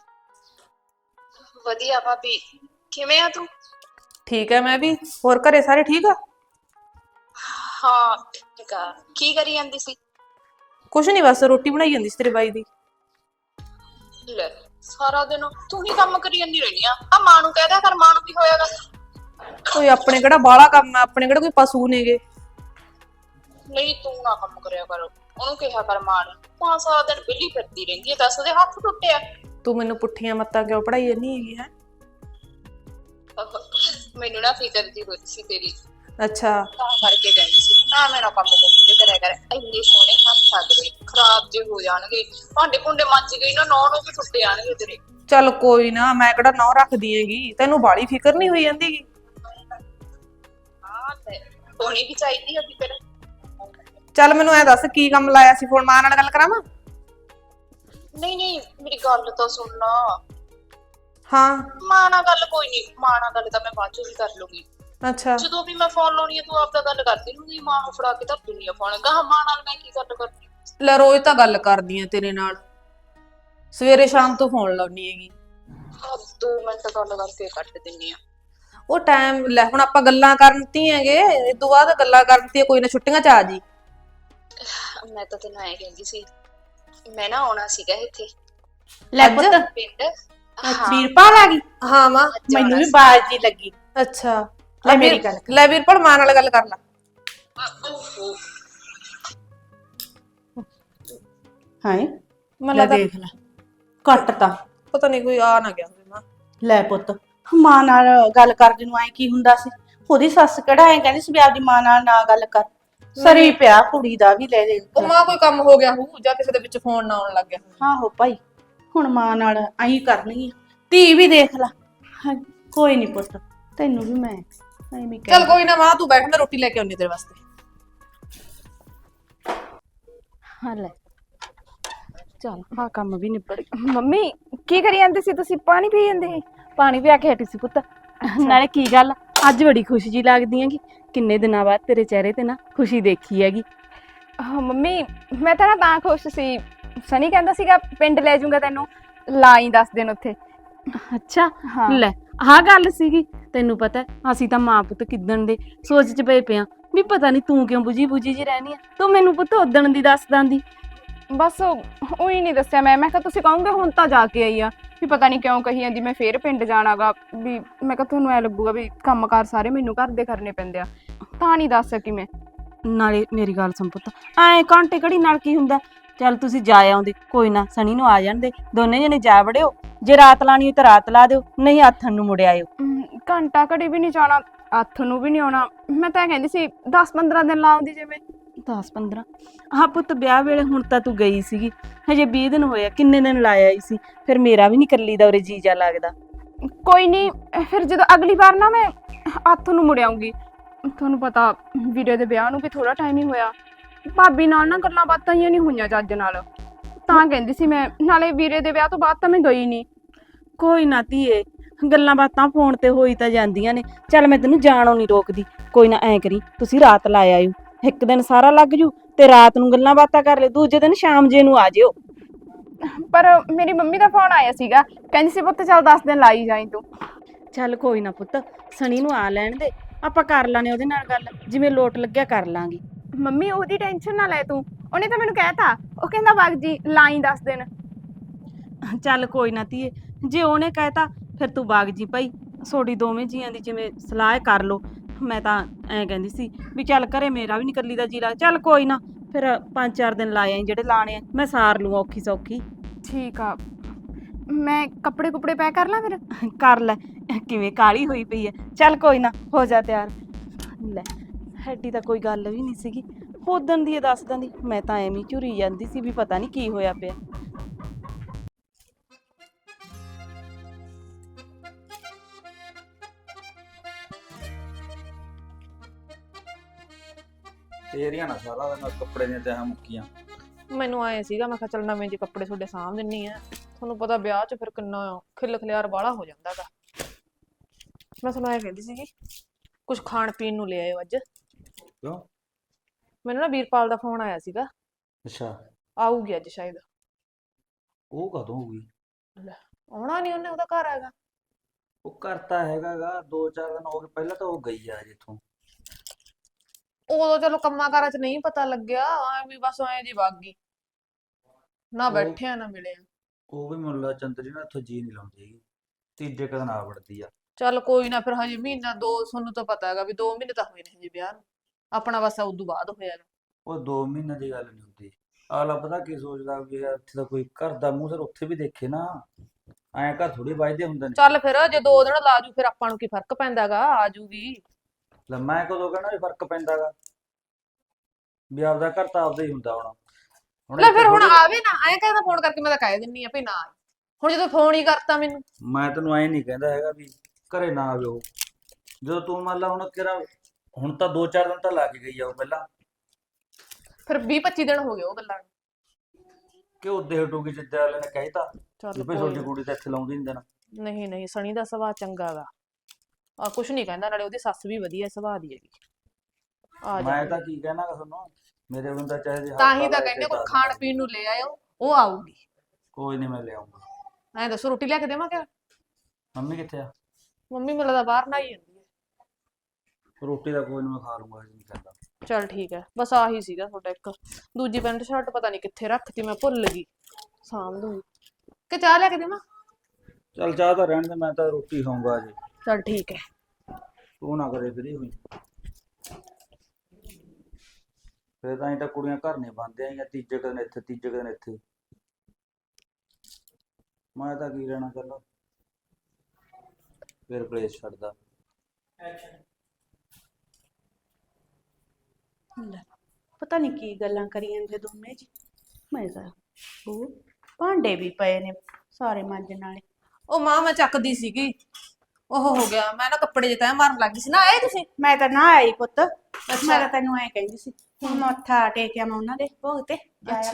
F: ਵਧੀਆ ਭਾਬੀ, ਕਿਵੇਂ ਆ ਤੂੰ?
E: ਠੀਕ ਹੈ ਮੈਂ ਵੀ। ਹੋਰ ਘਰੇ ਸਾਰੇ ਠੀਕ ਆ?
F: ਹਾਂ ਠੀਕ ਆ। ਕੀ ਕਰੀ ਜਾਂਦੀ ਸੀ?
E: ਕੁਛ ਨਹੀਂ, ਬਸ ਰੋਟੀ ਬਣਾਈ ਜਾਂਦੀ ਸੀ ਤੇਰੇ ਬਾਈ ਦੀ।
F: ਲੈ ਸਾਰਾ ਦਿਨ ਤੂੰ ਹੀ ਕੰਮ ਕਰੀ ਜਾਂਦੀ ਰਹਿੰਦੀ ਆ। ਆ ਮਾਂ ਨੂੰ ਕਹਿ ਦਿਆ ਕਰ, ਮਾਂ ਨੂੰ ਕੀ ਹੋਇਆਗਾ?
E: ਕੋਈ ਆਪਣੇ ਕਿਹੜਾ ਬਾਹਲਾ ਕੰਮ ਆ, ਆਪਣੇ ਕਿਹੜਾ ਕੋਈ ਪਸ਼ੂ ਨੇਗੇ।
F: ਨਹੀਂ ਤੂੰ ਨਾ ਕੰਮ ਕਰਿਆ ਕਰ, ਉਹਨੂੰ ਕਿਹਾ ਕਰ ਮਾਂ ਨੂੰ। ਮਾਂ ਸਾਰਾ ਦਿਨ ਵਿਹਲੀ ਫਿਰਦੀ ਰਹਿੰਦੀ ਹੈ, ਦੱਸ ਉਹਦੇ ਹੱਥ ਟੁੱਟਿਆ।
E: ਤੂੰ ਮੈਨੂੰ ਪੁੱਠੀਆਂ ਮੱਤਾਂ ਕਿਉਂ ਪੜਾਈ ਜਾਂਦੀ ਹੈਗੀ ਹੈ?
F: ਮੈਨੂੰ ਨਾ ਫਿਕਰ ਦੀ ਹੋਈ ਸੀ ਤੇਰੀ,
E: ਅੱਛਾ
F: ਤਾਂ ਕਰਕੇ ਕਹਿੰਦੀ ਸੀ ਨਾ ਮੇਰਾ ਕੰਮ ਕੁੰਮ ਜੇ ਕਰਿਆ ਕਰ। ਇੰਨੇ ਸੋਹਣੇ ਹੱਥ ਸਾਡੇ ਖਰਾਬ ਜੇ ਹੋ ਜਾਣਗੇ, ਭਾਂਡੇ ਭੁੰਡੇ ਮੱਚ ਗਏ ਨਾ, ਨੌ ਨੂੰ ਵੀ ਟੁੱਟ ਜਾਣਗੇ ਤੇਰੇ।
E: ਚੱਲ ਕੋਈ ਨਾ, ਮੈਂ ਕਿਹੜਾ ਨਹੁੰ ਰੱਖਦੀ ਹੈਗੀ, ਤੈਨੂੰ ਬਾਹਲੀ ਫਿਕਰ ਨਹੀਂ ਹੋਈ ਜਾਂਦੀ ਗੀ।
F: ਹਾਂ ਤੇ ਹੋਣੀ ਵੀ ਚਾਹੀਦੀ ਆ ਫਿਕਰ।
E: ਚੱਲ ਮੈਨੂੰ ਐ ਦੱਸ ਕੀ ਕੰਮ ਲਾਇਆ ਸੀ ਫੋਨ? ਮਾਂ ਨਾਲ ਗੱਲ ਕਰਾਵਾਂ?
F: ਨਹੀਂ ਨਹੀਂ ਮੇਰੀ ਗੱਲ ਤਾਂ ਸੁਣ ਲਾ।
E: ਹਾਂ
F: ਮਾਂ ਨਾਲ ਗੱਲ ਕੋਈ ਨਹੀਂ, ਮਾਂ ਨਾਲ ਗੱਲ ਤਾਂ ਮੈਂ ਬਾਅਦ ਚੋਂ ਵੀ ਕਰ ਲੂੰਗੀ।
E: ਅੱਛਾ
F: ਜਦੋਂ ਵੀ ਮੈਂ ਫੋਨ ਲਾਉਣੀ ਆ ਤੂੰ ਆਪਦਾ ਗੱਲ ਕਰਦੀ ਹੁੰਦੀ, ਮਾਂ ਨੂੰ ਫੜਾ ਕੇ ਧਰ ਦਿੰਦੀ ਆ ਫੋਨ। ਗਾਹ ਮਾਂ ਨਾਲ ਮੈਂ ਕੀ ਗੱਲ ਕਰਨੀ?
E: ਲੈ ਰੋਜ਼ ਤਾਂ ਗੱਲ ਕਰਦੀ ਆ ਤੇਰੇ ਨਾਲ, ਸਵੇਰੇ ਸ਼ਾਮ ਤੋਂ ਫੋਨ ਲਾਉਣੀ ਹੈਗੀ।
F: ਆਹ ਦੋ ਮਿੰਟ ਗੱਲ ਕਰਕੇ ਕੱਟ ਦਿੰਨੀ ਆ।
E: ਉਹ ਟਾਈਮ ਲੈ, ਹੁਣ ਆਪਾਂ ਗੱਲਾਂ ਕਰਨਤੀ ਹੈਗੇ, ਇਸ ਤੋਂ ਬਾਅਦ ਗੱਲਾਂ ਕਰਨਤੀ, ਕੋਈ ਨਾ ਛੁੱਟੀਆਂ ਚ ਆ ਜੀ।
F: ਮੈਂ ਤਾਂ ਤੈਨੂੰ ਐ ਕਹਿੰਦੀ ਸੀ, ਮੈਂ ਨਾ ਆਉਣਾ ਸੀਗਾ ਇੱਥੇ
D: ਲੈ
E: ਅੱਜ?
D: ਪੁੱਤ,
F: ਪਿੰਡ। ਹਾਂ
D: ਵੀਰਪਾਲ ਆ ਗਈ।
E: ਹਾਂ ਮਾਂ।
D: ਮੈਨੂੰ ਵੀ ਬਾਜ਼ ਜੀ ਲੱਗੀ।
E: ਅੱਛਾ
D: ਲੈ
E: ਲੈ
D: ਮੇਰੀ
E: ਵੀਰ,
D: ਗੱਲ ਕਰ।
E: ਲੈ ਵੀਰਪਾਲ ਮਾਂ ਨਾਲ ਗੱਲ ਕਰ ਲੈ।
F: ਓਹੋ
D: ਹਾਂ
E: ਮੈਨੂੰ
D: ਲੈ
E: ਲੱਗਦਾ
D: ਦੇਖ ਲੈ, ਕੱਟਤਾ।
E: ਪਤਾ ਨਹੀਂ ਕੋਈ ਆ ਨਾ ਗਿਆ ਹੋਵੇ ਮਾਂ।
D: ਲੈ ਪੁੱਤ, ਮਾਂ ਨਾਲ ਗੱਲ ਕਰਦੇ ਨੂੰ ਐ ਕੀ ਹੁੰਦਾ ਸੀ? ਉਹਦੀ ਸੱਸ ਕਿਹੜਾ ਐ ਕਹਿੰਦੀ ਸੀ ਵੀ ਆਪਦੀ ਮਾਂ ਨਾਲ ਨਾ ਗੱਲ ਕਰ। ਸਰੀ ਪਿਆ ਕੁੜੀ ਦਾ ਵੀ ਲੈ ਦੇ।
E: ਉਹ ਮਾਂ ਕੋਈ ਕੰਮ ਹੋ ਗਿਆ ਹੋਊ, ਜਾਂ ਕਿਸੇ ਦੇ ਵਿੱਚ ਫੋਨ ਨਾ ਆਉਣ ਲੱਗ ਗਿਆ।
D: ਆਹੋ ਭਾਈ, ਹੁਣ ਮਾਂ ਨਾਲ ਐਂ ਕਰਨੀ ਆ। ਧੀ ਵੀ ਦੇਖ ਲੈ। ਹਾਂ, ਕੋਈ ਨਹੀਂ ਪੁੱਤ, ਤੈਨੂੰ ਵੀ ਮੈਂ ਐਵੇਂ ਕਹਿ।
E: ਚੱਲ ਕੋਈ ਨਾ ਮਾਂ, ਤੂੰ ਬੈਠ, ਮੈਂ ਰੋਟੀ ਲੈ ਕੇ ਆਉਣੀ ਤੇਰੇ ਵਾਸਤੇ।
D: ਹਾਂ ਲੈ,
C: ਚੱਲ ਹਾਂ ਕੰਮ ਵੀ ਨਿਬੜ ਗਿਆ।
D: ਮੰਮੀ ਕੀ ਕਰੀ ਜਾਂਦੇ ਸੀ ਤੁਸੀਂ? ਪਾਣੀ ਪੀ ਜਾਂਦੇ ਸੀ?
C: ਪਾਣੀ ਪਿਆ ਕੇ ਹਟੀ ਸੀ ਪੁੱਤ। ਨਾਲੇ ਕੀ ਗੱਲ ਅੱਜ ਬੜੀ ਖੁਸ਼ੀ ਜੀ ਲੱਗਦੀ ਹੈਗੀ, ਕਿੰਨੇ ਦਿਨਾਂ ਬਾਅਦ ਤੇਰੇ ਚਿਹਰੇ ਤੇ ਨਾ ਖੁਸ਼ੀ ਦੇਖੀ ਹੈਗੀ।
D: ਹਾਂ ਮੰਮੀ ਮੈਂ ਤਾਂ ਨਾ ਤਾਂ ਖੁਸ਼ ਸੀ, ਸਨੀ ਕਹਿੰਦਾ ਸੀਗਾ ਪਿੰਡ ਲੈ ਜਾਊਂਗਾ ਤੈਨੂੰ, ਲਾਈ ਦਸ ਦਿਨ ਉੱਥੇ।
C: ਅੱਛਾ
D: ਹਾਂ।
C: ਲੈ ਆਹ ਗੱਲ ਸੀਗੀ। ਤੈਨੂੰ ਪਤਾ ਹੈ, ਅਸੀਂ ਤਾਂ ਮਾਂ ਪੁੱਤ ਕਿੱਦਣ ਦੇ ਸੋਚ ਚ ਪਏ ਪਿਆ ਵੀ ਪਤਾ ਨਹੀਂ ਤੂੰ ਕਿਉਂ ਬੁਝੀ ਬੁਝੀ ਜੀ ਰਹਿਣੀ ਆ। ਤੂੰ ਮੈਨੂੰ ਪੁੱਤ ਉਦਣ ਦੀ ਦੱਸ ਦਾਂਦੀ।
D: ਬਸ ਉਹੀ ਨਹੀਂ ਦੱਸਿਆ ਮੈਂ ਮੈਂ ਕਿਹਾ ਤੁਸੀਂ ਕਹੋਗੇ ਹੁਣ ਤਾਂ ਜਾ ਕੇ ਆਈ ਆ, ਵੀ ਪਤਾ ਨਹੀਂ ਕਿਉਂ ਕਹੀ ਜਾਂਦੀ ਮੈਂ ਫੇਰ ਪਿੰਡ ਜਾਣਾਗਾ, ਵੀ ਮੈਂ ਕਿਹਾ ਤੁਹਾਨੂੰ ਐ ਲੱਗੂਗਾ ਵੀ ਕੰਮਕਾਰ ਸਾਰੇ ਮੈਨੂੰ ਘਰ ਦੇ ਕਰਨੇ ਪੈਂਦੇ ਆ, ਤਾਂ ਨਹੀਂ ਦੱਸ ਸਕੀ ਮੈਂ।
C: ਨਾਲੇ ਮੇਰੀ ਗੱਲ ਸੁਣ ਪੁੱਤ, ਐ ਘੰਟੇ ਘੜੀ ਨਾਲ ਕੀ ਹੁੰਦਾ? ਚੱਲ ਤੁਸੀਂ ਜਾ ਆਉਂਦੇ, ਕੋਈ ਨਾ ਸਣੀ ਨੂੰ ਆ ਜਾਣ ਦੇ, ਦੋਨੇ ਜਣੇ ਜਾ ਵੜਿਓ। ਜੇ ਰਾਤ ਲਾਣੀ ਹੋਈ ਤਾਂ ਰਾਤ ਲਾ ਦਿਓ, ਨਹੀਂ ਆਥਣ ਨੂੰ ਮੁੜ ਆਇਓ।
D: ਅਮ, ਘੰਟਾ ਘੜੀ ਵੀ ਨਹੀਂ ਜਾਣਾ, ਹੱਥ ਨੂੰ ਵੀ ਨਹੀਂ ਆਉਣਾ। ਮੈਂ ਤਾਂ ਕਹਿੰਦੀ ਸੀ ਦਸ ਪੰਦਰਾਂ ਦਿਨ ਲਾਉਂਦੀ ਜਿਵੇਂ।
C: ਦਸ ਪੰਦਰਾਂ ਹਾਂ ਪੁੱਤ, ਵਿਆਹ ਵੇਲੇ ਹੁਣ ਤਾਂ ਤੂੰ ਗਈ ਸੀਗੀ, ਹਜੇ ਵੀਹ ਦਿਨ ਹੋਇਆ, ਕਿੰਨੇ ਦਿਨ ਲਾਇਆ ਹੀ ਸੀ। ਫਿਰ ਮੇਰਾ ਵੀ ਨਹੀਂ ਕੱਲੀ ਦਾ ਉਰੇ ਜੀਜਾ ਲੱਗਦਾ।
D: ਕੋਈ ਨਹੀਂ, ਫਿਰ ਜਦੋਂ ਅਗਲੀ ਵਾਰ ਨਾ ਮੈਂ ਹੱਥ ਨੂੰ ਮੁੜ ਆਉਂਗੀ। ਤੁਹਾਨੂੰ ਪਤਾ ਵੀਰੇ ਦੇ ਵਿਆਹ ਨੂੰ ਵੀ ਥੋੜਾ ਟਾਈਮ ਹੀ ਹੋਇਆ, ਭਾਬੀ ਨਾਲ ਨਾ ਗੱਲਾਂ ਬਾਤਾਂ ਹੀ ਨਹੀਂ ਹੋਈਆਂ ਚੱਜ ਨਾਲ, ਤਾਂ ਕਹਿੰਦੀ ਸੀ ਮੈਂ। ਨਾਲੇ ਵੀਰੇ ਦੇ ਵਿਆਹ ਤੋਂ ਬਾਅਦ ਤਾਂ ਮੈਂ ਗਈ ਨਹੀਂ।
C: ਕੋਈ ਨਾ ਧੀਏ, ਗੱਲਾਂ ਬਾਤਾਂ ਫੋਨ ਤੇ ਹੋਈ ਤਾਂ ਜਾਂਦੀਆਂ ਨੇ। ਚੱਲ ਮੈਂ ਤੈਨੂੰ ਜਾਣੋਂ ਨਹੀਂ ਰੋਕਦੀ, ਕੋਈ ਨਾ ਐ ਕਰੀ ਤੁਸੀਂ ਰਾਤ ਲਾ ਆਇਓ, ਇੱਕ ਦਿਨ ਸਾਰਾ ਲੱਗ ਜੂ ਤੇ ਰਾਤ ਨੂੰ ਗੱਲਾਂ ਬਾਤਾਂ ਕਰ ਲਿਓ, ਦੂਜੇ ਦਿਨ ਸ਼ਾਮ ਜੇ ਨੂੰ ਆ ਜਿਓ।
D: ਪਰ ਮੇਰੀ ਮੰਮੀ ਦਾ ਫੋਨ ਆਇਆ ਸੀਗਾ, ਕਹਿੰਦੀ ਸੀ ਪੁੱਤ ਚੱਲ ਦਸ ਦਿਨ ਲਾਈ ਜਾਈਂ ਤੂੰ।
C: ਚੱਲ ਕੋਈ ਨਾ ਪੁੱਤ, ਸਣੀ ਨੂੰ ਆ ਲੈਣ ਦੇ, ਆਪਾਂ ਕਰ ਲਾਂਗੇ ਉਹਦੇ ਨਾਲ ਗੱਲ, ਜਿਵੇਂ ਲੋਟ ਲੱਗਿਆ ਕਰ ਲਾਂਗੇ।
D: ਮੰਮੀ ਉਹਦੀ ਟੈਨਸ਼ਨ ਨਾ ਲੈ ਤੂੰ, ਉਹਨੇ ਤਾਂ ਮੈਨੂੰ ਕਹਿਤਾ, ਉਹ ਕਹਿੰਦਾ ਵਗ ਜੀ ਲਾਈ ਦਸ ਦਿਨ।
C: ਚੱਲ ਕੋਈ ਨਾ ਧੀਏ, ਜੇ ਉਹਨੇ ਕਹਿਤਾ ਫਿਰ ਤੂੰ ਬਾਗ ਜੀ ਭਾਈ, ਸੋਡੀ ਦੋਵੇਂ ਜੀਆਂ ਦੀ ਜਿਵੇਂ ਸਲਾਹ ਕਰ ਲੋ। ਮੈਂ ਤਾਂ ਐਂ ਕਹਿੰਦੀ ਸੀ ਵੀ ਚੱਲ ਘਰੇ ਮੇਰਾ ਵੀ ਨੀ ਕੱਲੀ ਦਾ ਜੀ ਲੱਗ। ਚੱਲ ਕੋਈ ਨਾ, ਫਿਰ ਪੰਜ ਚਾਰ ਦਿਨ ਲਾ ਆਈ ਜਿਹੜੇ ਲਾਣੇ ਆ, ਮੈਂ ਸਾਰ ਲੂੰ ਔਖੀ ਸੌਖੀ।
D: ਠੀਕ ਆ, ਮੈਂ ਕੱਪੜੇ ਕੁਪੜੇ ਪੈਕ ਕਰ ਲਾਂ ਫਿਰ?
C: ਕਰ ਲੈ, ਕਿਵੇਂ ਕਾਲੀ ਹੋਈ ਪਈ ਐ। ਚੱਲ ਕੋਈ ਨਾ, ਹੋ ਜਾ ਤਿਆਰ। ਲੈ ਹੈਡੀ ਤਾਂ ਕੋਈ ਗੱਲ ਵੀ ਨਹੀਂ ਸੀਗੀ, ਉਦਣ ਦੀ ਦੱਸ ਦਿੰਦੀ, ਮੈਂ ਤਾਂ ਐਵੇਂ ਝੁਰੀ ਜਾਂਦੀ ਸੀ ਵੀ ਪਤਾ ਨਹੀਂ ਕੀ ਹੋਇਆ ਪਿਆ।
G: ਤੇਰੀਆਂ ਨਾ ਸਾਰਾ ਦਿਨ ਕੱਪੜੇ ਦੀਆਂ ਤਹਾਂ ਮੁੱਕੀਆਂ।
E: ਮੈਨੂੰ ਆਏ ਸੀਗਾ, ਮੈਂ ਕਿਹਾ ਚੱਲ ਨਵੇਂ ਜਿਹੇ ਕੱਪੜੇ ਤੁਹਾਡੇ ਸਾਂਭ ਦਿੰਨੀ ਆ। ਤੁਹਾਨੂੰ ਪਤਾ ਵਿਆਹ 'ਚ ਫਿਰ ਕਿੰਨਾ ਖਿਲ ਖਿਲਿਆਰ ਵਾਲਾ ਹੋ ਜਾਂਦਾ ਗਾ। ਮੈਂ ਤੁਹਾਨੂੰ ਐ ਕਹਿੰਦੀ ਸੀਗੀ, ਕੁਝ ਖਾਣ ਪੀਣ ਨੂੰ ਲੈ ਆਇਓ ਅੱਜ।
G: ਕਿਉਂ?
E: ਮੈਨੂੰ ਨਾ ਵੀਰਪਾਲ ਦਾ ਫੋਨ ਆਇਆ ਸੀਗਾ,
G: ਅੱਛਾ,
E: ਆਊਗੀ ਅੱਜ ਸ਼ਾਇਦ।
G: ਉਹ ਕਦੋਂ ਹੋਊਗੀ?
E: ਆਉਣਾ ਨਹੀਂ ਉਹਨੇ, ਉਹਦਾ ਘਰ ਹੈਗਾ।
G: ਉਹ ਕਰਤਾ ਹੈਗਾਗਾ, ਦੋ ਚਾਰ ਦਿਨ ਹੋ ਗਏ, ਪਹਿਲਾਂ ਤਾਂ ਉਹ ਗਈ ਆ ਜਿੱਥੋਂ।
E: ਉਦੋਂ ਚਲੋ ਕੰਮਾਂ ਕਾਰਾਂ 'ਚ ਨਹੀਂ ਪਤਾ ਲੱਗਿਆ, ਐ ਵੀ ਬਸ ਐ ਜੀ ਵਗ ਗਈ, ਨਾ
G: ਉਹ-
E: ਬੈਠਿਆ ਨਾ ਮਿਲਿਆ।
G: ਉਹ ਵੀ ਮੁੱਲਾ ਚੰਦਰੀ ਨਾ ਇੱਥੋਂ ਜੀ ਨਹੀਂ ਲਾਉਂਦੀ ਹੈਗੀ, ਤੀਜੇ ਕਦਨ ਆ ਵੜਦੀ ਆ।
E: ਚੱਲ ਕੋਈ ਨਾ, ਫਿਰ ਹਜੇ ਮਹੀਨਾ ਦੋ, ਤੁਹਾਨੂੰ ਤਾਂ ਪਤਾ ਹੈਗਾ ਵੀ ਦੋ ਮਹੀਨੇ ਤਾਂ ਹੋਏ ਨੇ ਹਜੇ ਵਿਆਹ ਨੂੰ, ਆਪਣਾ ਬਸ ਉਦੋਂ ਬਾਅਦ ਹੋਇਆ ਗਾ।
G: ਉਹ ਦੋ ਮਹੀਨੇ ਦੀ ਗੱਲ ਨਹੀਂ ਹੁੰਦੀ। ਅਗਲਾ ਪਤਾ ਕੀ ਸੋਚਦਾ ਵੀ ਯਾਰ ਇੱਥੇ ਤਾਂ ਕੋਈ ਘਰ ਦਾ ਮੂੰਹ ਸਿਰ ਉੱਥੇ ਵੀ ਦੇਖੇ ਨਾ, ਐਂ ਘਰ ਥੋੜੀ ਵੱਜਦੇ ਹੁੰਦੇ ਨੇ।
E: ਚੱਲ ਫਿਰ ਜੇ ਦੋ ਦਿਨ ਲਾ ਜੂ, ਫਿਰ ਆਪਾਂ ਨੂੰ ਕੀ ਫਰਕ ਪੈਂਦਾ ਗਾ, ਆ ਜੂਗੀ।
G: ਲੈ ਮੈਂ ਕਦੋਂ ਕਹਿਣਾ ਵੀ ਫਰਕ ਪੈਂਦਾਗਾ, ਵੀ ਆਪਦਾ ਘਰ ਤਾਂ ਆਪਦਾ ਹੀ ਹੁੰਦਾ ਹੋਣਾ।
E: ਲੈ
G: ਇੱਥੇ
E: ਫਿਰ ਹੁਣ
G: ਥੋੜ੍ਹੀ-
E: ਆਵੇ ਨਾ, ਐਂ ਕਹਿੰਦਾ ਫੋਨ ਕਰਕੇ ਮੈਂ ਤਾਂ ਕਹਿ ਦਿੰਨੀ ਆ ਵੀ ਨਾ ਆਏ। ਹੁਣ ਜਦੋਂ ਫੋਨ ਹੀ ਕਰਤਾ ਮੈਨੂੰ।
G: ਮੈਂ ਤੈਨੂੰ ਐਂ ਨਹੀਂ ਕਹਿੰਦਾ ਹੈਗਾ ਵੀ ਘਰੇ ਨਾ ਆਵੇ ਉਹ, ਜਦੋਂ ਤੂੰ ਮੰਨ ਲਾ ਹੁਣ ਕਿਹੜਾ, ਹੁਣ ਤਾਂ ਦੋ ਚਾਰ ਦਿਨ ਤਾਂ ਲਾ ਕੇ ਗਈ ਆ ਉਹ ਪਹਿਲਾਂ,
E: ਫਿਰ ਵੀਹ ਪੱਚੀ ਦਿਨ ਹੋ ਗਏ ਉਹ ਗੱਲਾਂ ਨੂੰ।
G: ਕਿ ਉਹਦੇ ਹਟੂਗੀ ਜਿੱਦਾਂ ਵਾਲੇ ਨੇ ਕਹਿਤਾ
E: ਚੱਲ
G: ਵੀ ਭਾਈ
E: ਕੋਈ
G: ਤੁਹਾਡੀ ਕੁੜੀ ਤਾਂ ਇੱਥੇ ਲਾਉਂਦੀ ਨਹੀਂ ਦੇਣਾ।
E: ਨਹੀਂ ਨਹੀਂ, ਸਣੀ ਦਾ ਸੁਭਾਅ ਚੰਗਾ ਗਾ, ਆ ਕੁਛ ਨਹੀਂ ਕਹਿੰਦਾ, ਨਾਲੇ ਉਹਦੀ ਸੱਸ ਵੀ ਵਧੀਆ ਸੁਭਾਅ ਦੀ ਹੈਗੀ। ਆ
G: ਮੈਂ
E: ਜਾ,
G: ਤਾਂ ਕੀ ਕਹਿਣਾ ਗਾ ਤੁਹਾਨੂੰ, ਮੇਰੇ ਬੰਦਾ ਚਾਹੇ ਜੇ
E: ਤਾਂ ਹੀ
G: ਹਫ਼ਤਾ
E: ਤਾਂ
G: ਲਾ
E: ਕਹਿੰਦੇ
G: ਕੇ
E: ਕੋਈ
G: ਦਸ
E: ਖਾਣ
G: ਦਿਨ।
E: ਪੀਣ ਨੂੰ ਲੈ ਆਇਓ, ਉਹ ਆਊਗੀ।
G: ਕੋਈ ਨਹੀਂ, ਮੈਂ ਲਿਆਉਂਗਾ।
E: ਐਂ ਦੱਸੋ ਰੋਟੀ ਲਿਆ ਕੇ ਦੇਵਾਂ ਕਿ?
G: ਮੰਮੀ ਕਿੱਥੇ ਆ?
E: ਮੰਮੀ ਮੈਨੂੰ ਲੱਗਦਾ ਬਾਹਰ ਨਹਾਈ ਜਾਂਦੀ ਹੈ।
G: ਰੋਟੀ ਦਾ ਕੋਈ ਨਹੀਂ, ਮੈਂ ਖਾ ਲੂੰਗਾ, ਹਜੇ ਨਹੀਂ ਕਹਿੰਦਾ।
E: ਚੱਲ ਠੀਕ ਹੈ, ਬਸ ਆਹੀ ਸੀਗਾ ਤੁਹਾਡਾ ਇੱਕ। ਦੂਜੀ ਪੈਂਟ ਸ਼ਰਟ ਪਤਾ ਨਹੀਂ ਕਿੱਥੇ ਰੱਖਤੀ, ਮੈਂ ਭੁੱਲ ਗਈ, ਸਾਂਭ ਦੂੰਗੀ। ਕਿ ਚਾਹ ਲਿਆ ਕੇ ਦੇਵਾਂ?
G: ਚੱਲ ਚਾਹ ਤਾਂ ਰਹਿਣ ਦੇ, ਮੈਂ ਤਾਂ ਰੋਟੀ ਖਾਊਂਗਾ ਅਜੇ।
E: ਚੱਲ ਠੀਕ ਹੈ।
G: ਤੂੰ ਨਾ ਕਰੇ ਫਰੀ ਹੋਈ, ਫਿਰ ਤਾਂ ਇਹ ਤਾਂ ਕੁੜੀਆਂ ਘਰ ਨਹੀਂ ਬੰਦੇ ਆਈਆਂ, ਤੀਜੇ ਕੁ ਦਿਨ ਇੱਥੇ ਤੀਜੇ ਕੁ ਦਿਨ ਇੱਥੇ। ਮੈਂ ਤਾਂ ਕੀ ਰਹਿਣਾ ਚੱਲ, ਫਿਰ ਕਲੇਸ਼ ਛੱਡਦਾ।
H: ਲੈ, ਪਤਾ ਨਹੀਂ ਕੀ ਗੱਲਾਂ ਕਰੀ ਜਾਂਦੇ ਦੋਨੇ ਜੀ। ਮੈਂ ਤਾਂ ਉਹ ਭਾਂਡੇ ਵੀ ਪਏ ਨੇ ਸਾਰੇ ਮਾਂਜਣ ਵਾਲੇ।
E: ਉਹ ਮਾਂ ਮੈਂ ਚੱਕਦੀ ਸੀਗੀ, ਉਹ ਹੋ ਗਿਆ, ਮੈਂ ਨਾ ਕੱਪੜੇ ਜੇ ਤੈਅ ਮਾਰਨ ਲੱਗੀ ਸੀ ਨਾ। ਆਏ ਤੁਸੀਂ?
H: ਮੈਂ ਤਾਂ ਨਾ ਆਈ ਪੁੱਤ, ਮੈਂ ਤਾਂ ਤੈਨੂੰ ਐ ਕਹਿੰਦੀ ਸੀ ਹੁਣ ਮੱਥਾ ਟੇਕਿਆ ਮੈਂ ਉਹਨਾਂ ਦੇ ਭੋਗ ਤੇ ਜਾਇਆ
E: ਅੱਛਾ,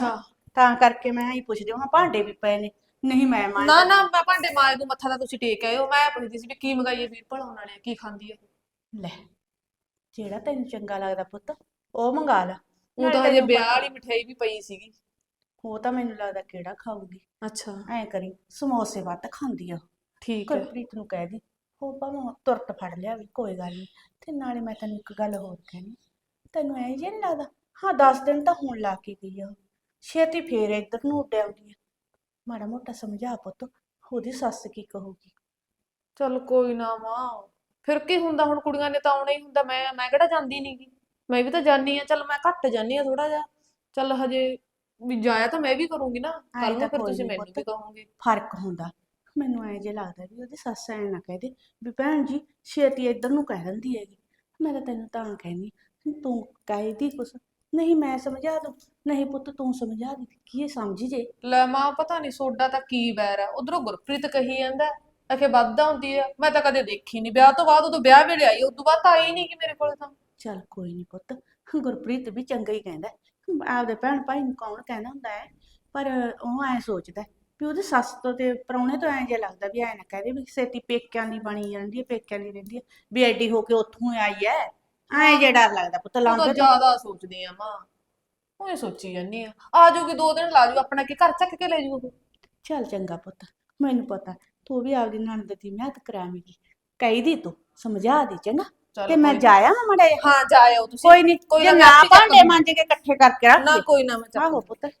H: ਤਾਂ ਕਰਕੇ ਮੈਂ ਹੀ ਪੁੱਛਦੀ ਹਾਂ ਭਾਂਡੇ ਵੀ ਪਏ ਨੇ ਨਹੀਂ ਮੈਂ ਮਾਂ
E: ਨਾ ਨਾ ਮੈਂ ਭਾਂਡੇ ਮਾਂ ਨੂੰ ਮੱਥਾ ਤਾਂ ਤੁਸੀਂ ਟੇਕ ਆਏ ਹੋ। ਮੈਂ ਪੁੱਛਦੀ ਸੀ ਵੀ ਕੀ ਮੰਗਾਈਏ ਵੀਰਪਾਲ ਉਹਨਾਂ ਨੇ ਕੀ ਖਾਂਦੀ ਹੈ।
H: ਲੈ ਜਿਹੜਾ ਤੈਨੂੰ ਚੰਗਾ ਲੱਗਦਾ ਪੁੱਤ ਉਹ ਮੰਗਾ ਲਾ
E: ਉਹ
H: ਨਾਲੇ
E: ਤਾਂ ਹਜੇ
H: ਤੈਨੂੰ
E: ਵਿਆਹ
H: ਪਤਾ-
E: ਵਾਲੀ ਮਠਿਆਈ ਵੀ ਪਈ ਸੀਗੀ।
H: ਉਹ ਤਾਂ ਮੈਨੂੰ ਲੱਗਦਾ ਕਿਹੜਾ ਖਾਊਗੀ।
E: ਅੱਛਾ
H: ਐ ਕਰੀ ਸਮੋਸੇ ਵੱਧ ਖਾਂਦੀ ਆ ਉਹ।
E: ਠੀਕ ਹੈ।
H: ਗੁਰਪ੍ਰੀਤ ਨੂੰ ਕਹਿ ਦੀ ਉਹ ਭਾਵੇਂ ਤੁਰਤ ਫੜ ਲਿਆ ਵੀ ਕੋਈ ਗੱਲ ਨਹੀਂ। ਤੇ ਨਾਲੇ ਮੈਂ ਤੈਨੂੰ ਇੱਕ ਗੱਲ ਹੋਰ ਕਹਿਣੀ ਤੈਨੂੰ ਐ ਜੇ ਨਹੀਂ ਲੱਗਦਾ ਹਾਂ ਦਸ ਦਿਨ ਤਾਂ ਹੁਣ ਲਾ ਕੇ ਗਈ ਆ ਉਹ ਛੇਤੀ ਫੇਰ ਇੱਧਰ ਨੂੰ ਉੱਡ ਆਉਂਦੀ ਆ। ਮਾੜਾ ਮੋਟਾ ਸਮਝਾ ਪੁੱਤ ਉਹਦੀ ਸੱਸ ਕੀ ਕਹੂਗੀ।
E: ਚਲ ਕੋਈ ਨਾ ਮਾਂ ਫਿਰ ਕੀ ਹੁੰਦਾ ਹੁਣ ਕੁੜੀਆਂ ਨੇ ਤਾਂ ਆਉਣਾ ਹੀ ਹੁੰਦਾ। ਮੈਂ ਮੈਂ ਕਿਹੜਾ ਜਾਂਦੀ ਨੀ ਗੀ। ਮੈਂ ਵੀ ਤਾਂ ਜਾਨੀ ਆ। ਚਲ ਮੈਂ ਘੱਟ ਜਾਨੀ ਆ ਥੋੜਾ ਜਿਹਾ। ਚਲ ਹਜੇ ਵੀ ਜਾਇਆ ਤਾਂ ਮੈਂ ਵੀ ਕਰੂੰਗੀ ਨਾ
H: ਐਂ
E: ਕੱਲ ਨੂੰ
H: ਤਾਂ
E: ਫਿਰ
H: ਕੋਈ
E: ਤੁਸੀਂ
H: ਨੀ
E: ਮੈਨੂੰ
H: ਪੁੱਤ।
E: ਵੀ ਕਹੋਗੇ।
H: ਫਰਕ ਹੁੰਦਾ ਮੈਨੂੰ ਐ ਜੇ ਲੱਗਦਾ ਵੀ ਉਹਦੀ ਸੱਸ ਐ ਨਾ ਕਹਦੇ ਵੀ ਭੈਣ ਜੀ ਛੇਤੀ ਇੱਧਰ ਨੂੰ ਕਹਿ ਦਿੰਦੀ ਹੈਗੀ। ਮੈਂ ਤਾਂ ਤੈਨੂੰ ਤਾਂ ਕਹਿੰਦੀ ਤੂੰ ਕਹਿਦੀ ਕੁਛ ਨਹੀਂ ਮੈਂ ਸਮਝਾ ਦੂੰ ਨਹੀਂ ਪੁੱਤ ਤੂੰ ਸਮਝਾ ਦੇ ਕੀ ਇਹ ਸਮਝੀ ਜੇ।
E: ਲੈ ਮਾਂ ਪਤਾ ਨਹੀਂ ਸੋਡਾ ਤਾਂ ਕੀ ਵੈਰ ਆ। ਉਧਰੋਂ ਗੁਰਪ੍ਰੀਤ ਕਹੀ ਜਾਂਦਾ ਅਖੇ ਵੱਧਦਾ ਹੁੰਦੀ ਆ। ਮੈਂ ਤਾਂ ਕਦੇ ਦੇਖੀ ਨਹੀਂ ਵਿਆਹ ਤੋਂ ਬਾਅਦ। ਉਦੋਂ ਵਿਆਹ ਵੇਲੇ ਆਈ ਉਦੋਂ ਬਾਅਦ ਤਾਂ ਆਈ ਨਹੀਂ ਕਿ ਮੇਰੇ ਕੋਲ ਤਾਂ।
H: ਚੱਲ ਕੋਈ ਨਹੀਂ ਪੁੱਤ ਗੁਰਪ੍ਰੀਤ ਵੀ ਚੰਗਾ ਹੀ ਕਹਿੰਦਾ ਆਪਦੇ ਭੈਣ ਭਾਈ ਨੂੰ ਕੌਣ ਕਹਿੰਦਾ ਹੁੰਦਾ ਹੈ ਪਰ ਉਹ ਐ ਸੋਚਦਾ ਵੀ ਉਹਦੀ ਸੱਸ ਤੋਂ ਤੇ ਪ੍ਰਾਹੁਣੇ ਤੋਂ ਐਂ ਜਿਹਾ ਲੱਗਦਾ ਵੀ ਐ ਨਾ ਕਹਦੇ ਵੀ ਛੇਤੀ ਪੇਕਿਆਂ ਦੀ ਬਣੀ ਜਾਂਦੀ ਹੈ ਪੇਕਿਆਂ ਦੀ ਰਹਿੰਦੀ ਹੈ ਵੀ ਐਡੀ ਹੋ ਕੇ ਉੱਥੋਂ ਆਈ ਐ ਐਂ ਜਿਹਾ ਡਰ ਲੱਗਦਾ ਪੁੱਤ
E: ਉਹ ਤਾਂ
H: ਲਾਉਂਦੇ ਤੋਂ।
E: ਜ਼ਿਆਦਾ ਸੋਚਦੀ ਆ ਮਾਂ। ਉਹ ਸੋਚੀ ਜਾਂਦੀ ਆ ਆ ਜਾਊਗੀ ਦੋ ਦਿਨ ਲਾ ਜੂ ਆਪਣਾ ਕੀ ਘਰ ਚੱਕ ਕੇ ਲੈ ਜੂ ਉਹ।
H: ਚੱਲ ਚੰਗਾ ਪੁੱਤ ਮੈਨੂੰ ਪਤਾ ਤੂੰ ਵੀ ਆਪਦੀ ਨਣਦ ਦੀ ਮਿਹਨਤ ਕਰਾਵੇਂਗੀ ਕਹੀ ਦੀ ਤੂੰ ਸਮਝਾ ਦੀ ਚੰਗਾ
E: ਚੱਲ
H: ਤੇ ਮੈਂ
E: ਕੋਈ ਨੀ।
H: ਜਾਇਆ ਮੜਾ
E: ਹਾਂ ਜਾ ਆਓ ਤੁਸੀਂ।
H: ਕੋਈ ਨਹੀਂ
E: ਕੋਈ
H: ਜੇ
E: ਨਾ,
H: ਨਾ
E: ਮੈਂ ਆਪੇ ਚੱਕ
H: ਭਾਂਡੇ
E: ਲੂੰ।
H: ਮਾਂਜੇ ਕੇ ਇਕੱਠੇ ਕਰਕੇ ਰੱਖ
E: ਨਾ
H: ਦੇ।
E: ਕੋਈ ਨਾ ਮੈਂ ਚੱਕ
H: ਆਹੋ
E: ਲੂੰ।
H: ਪੁੱਤ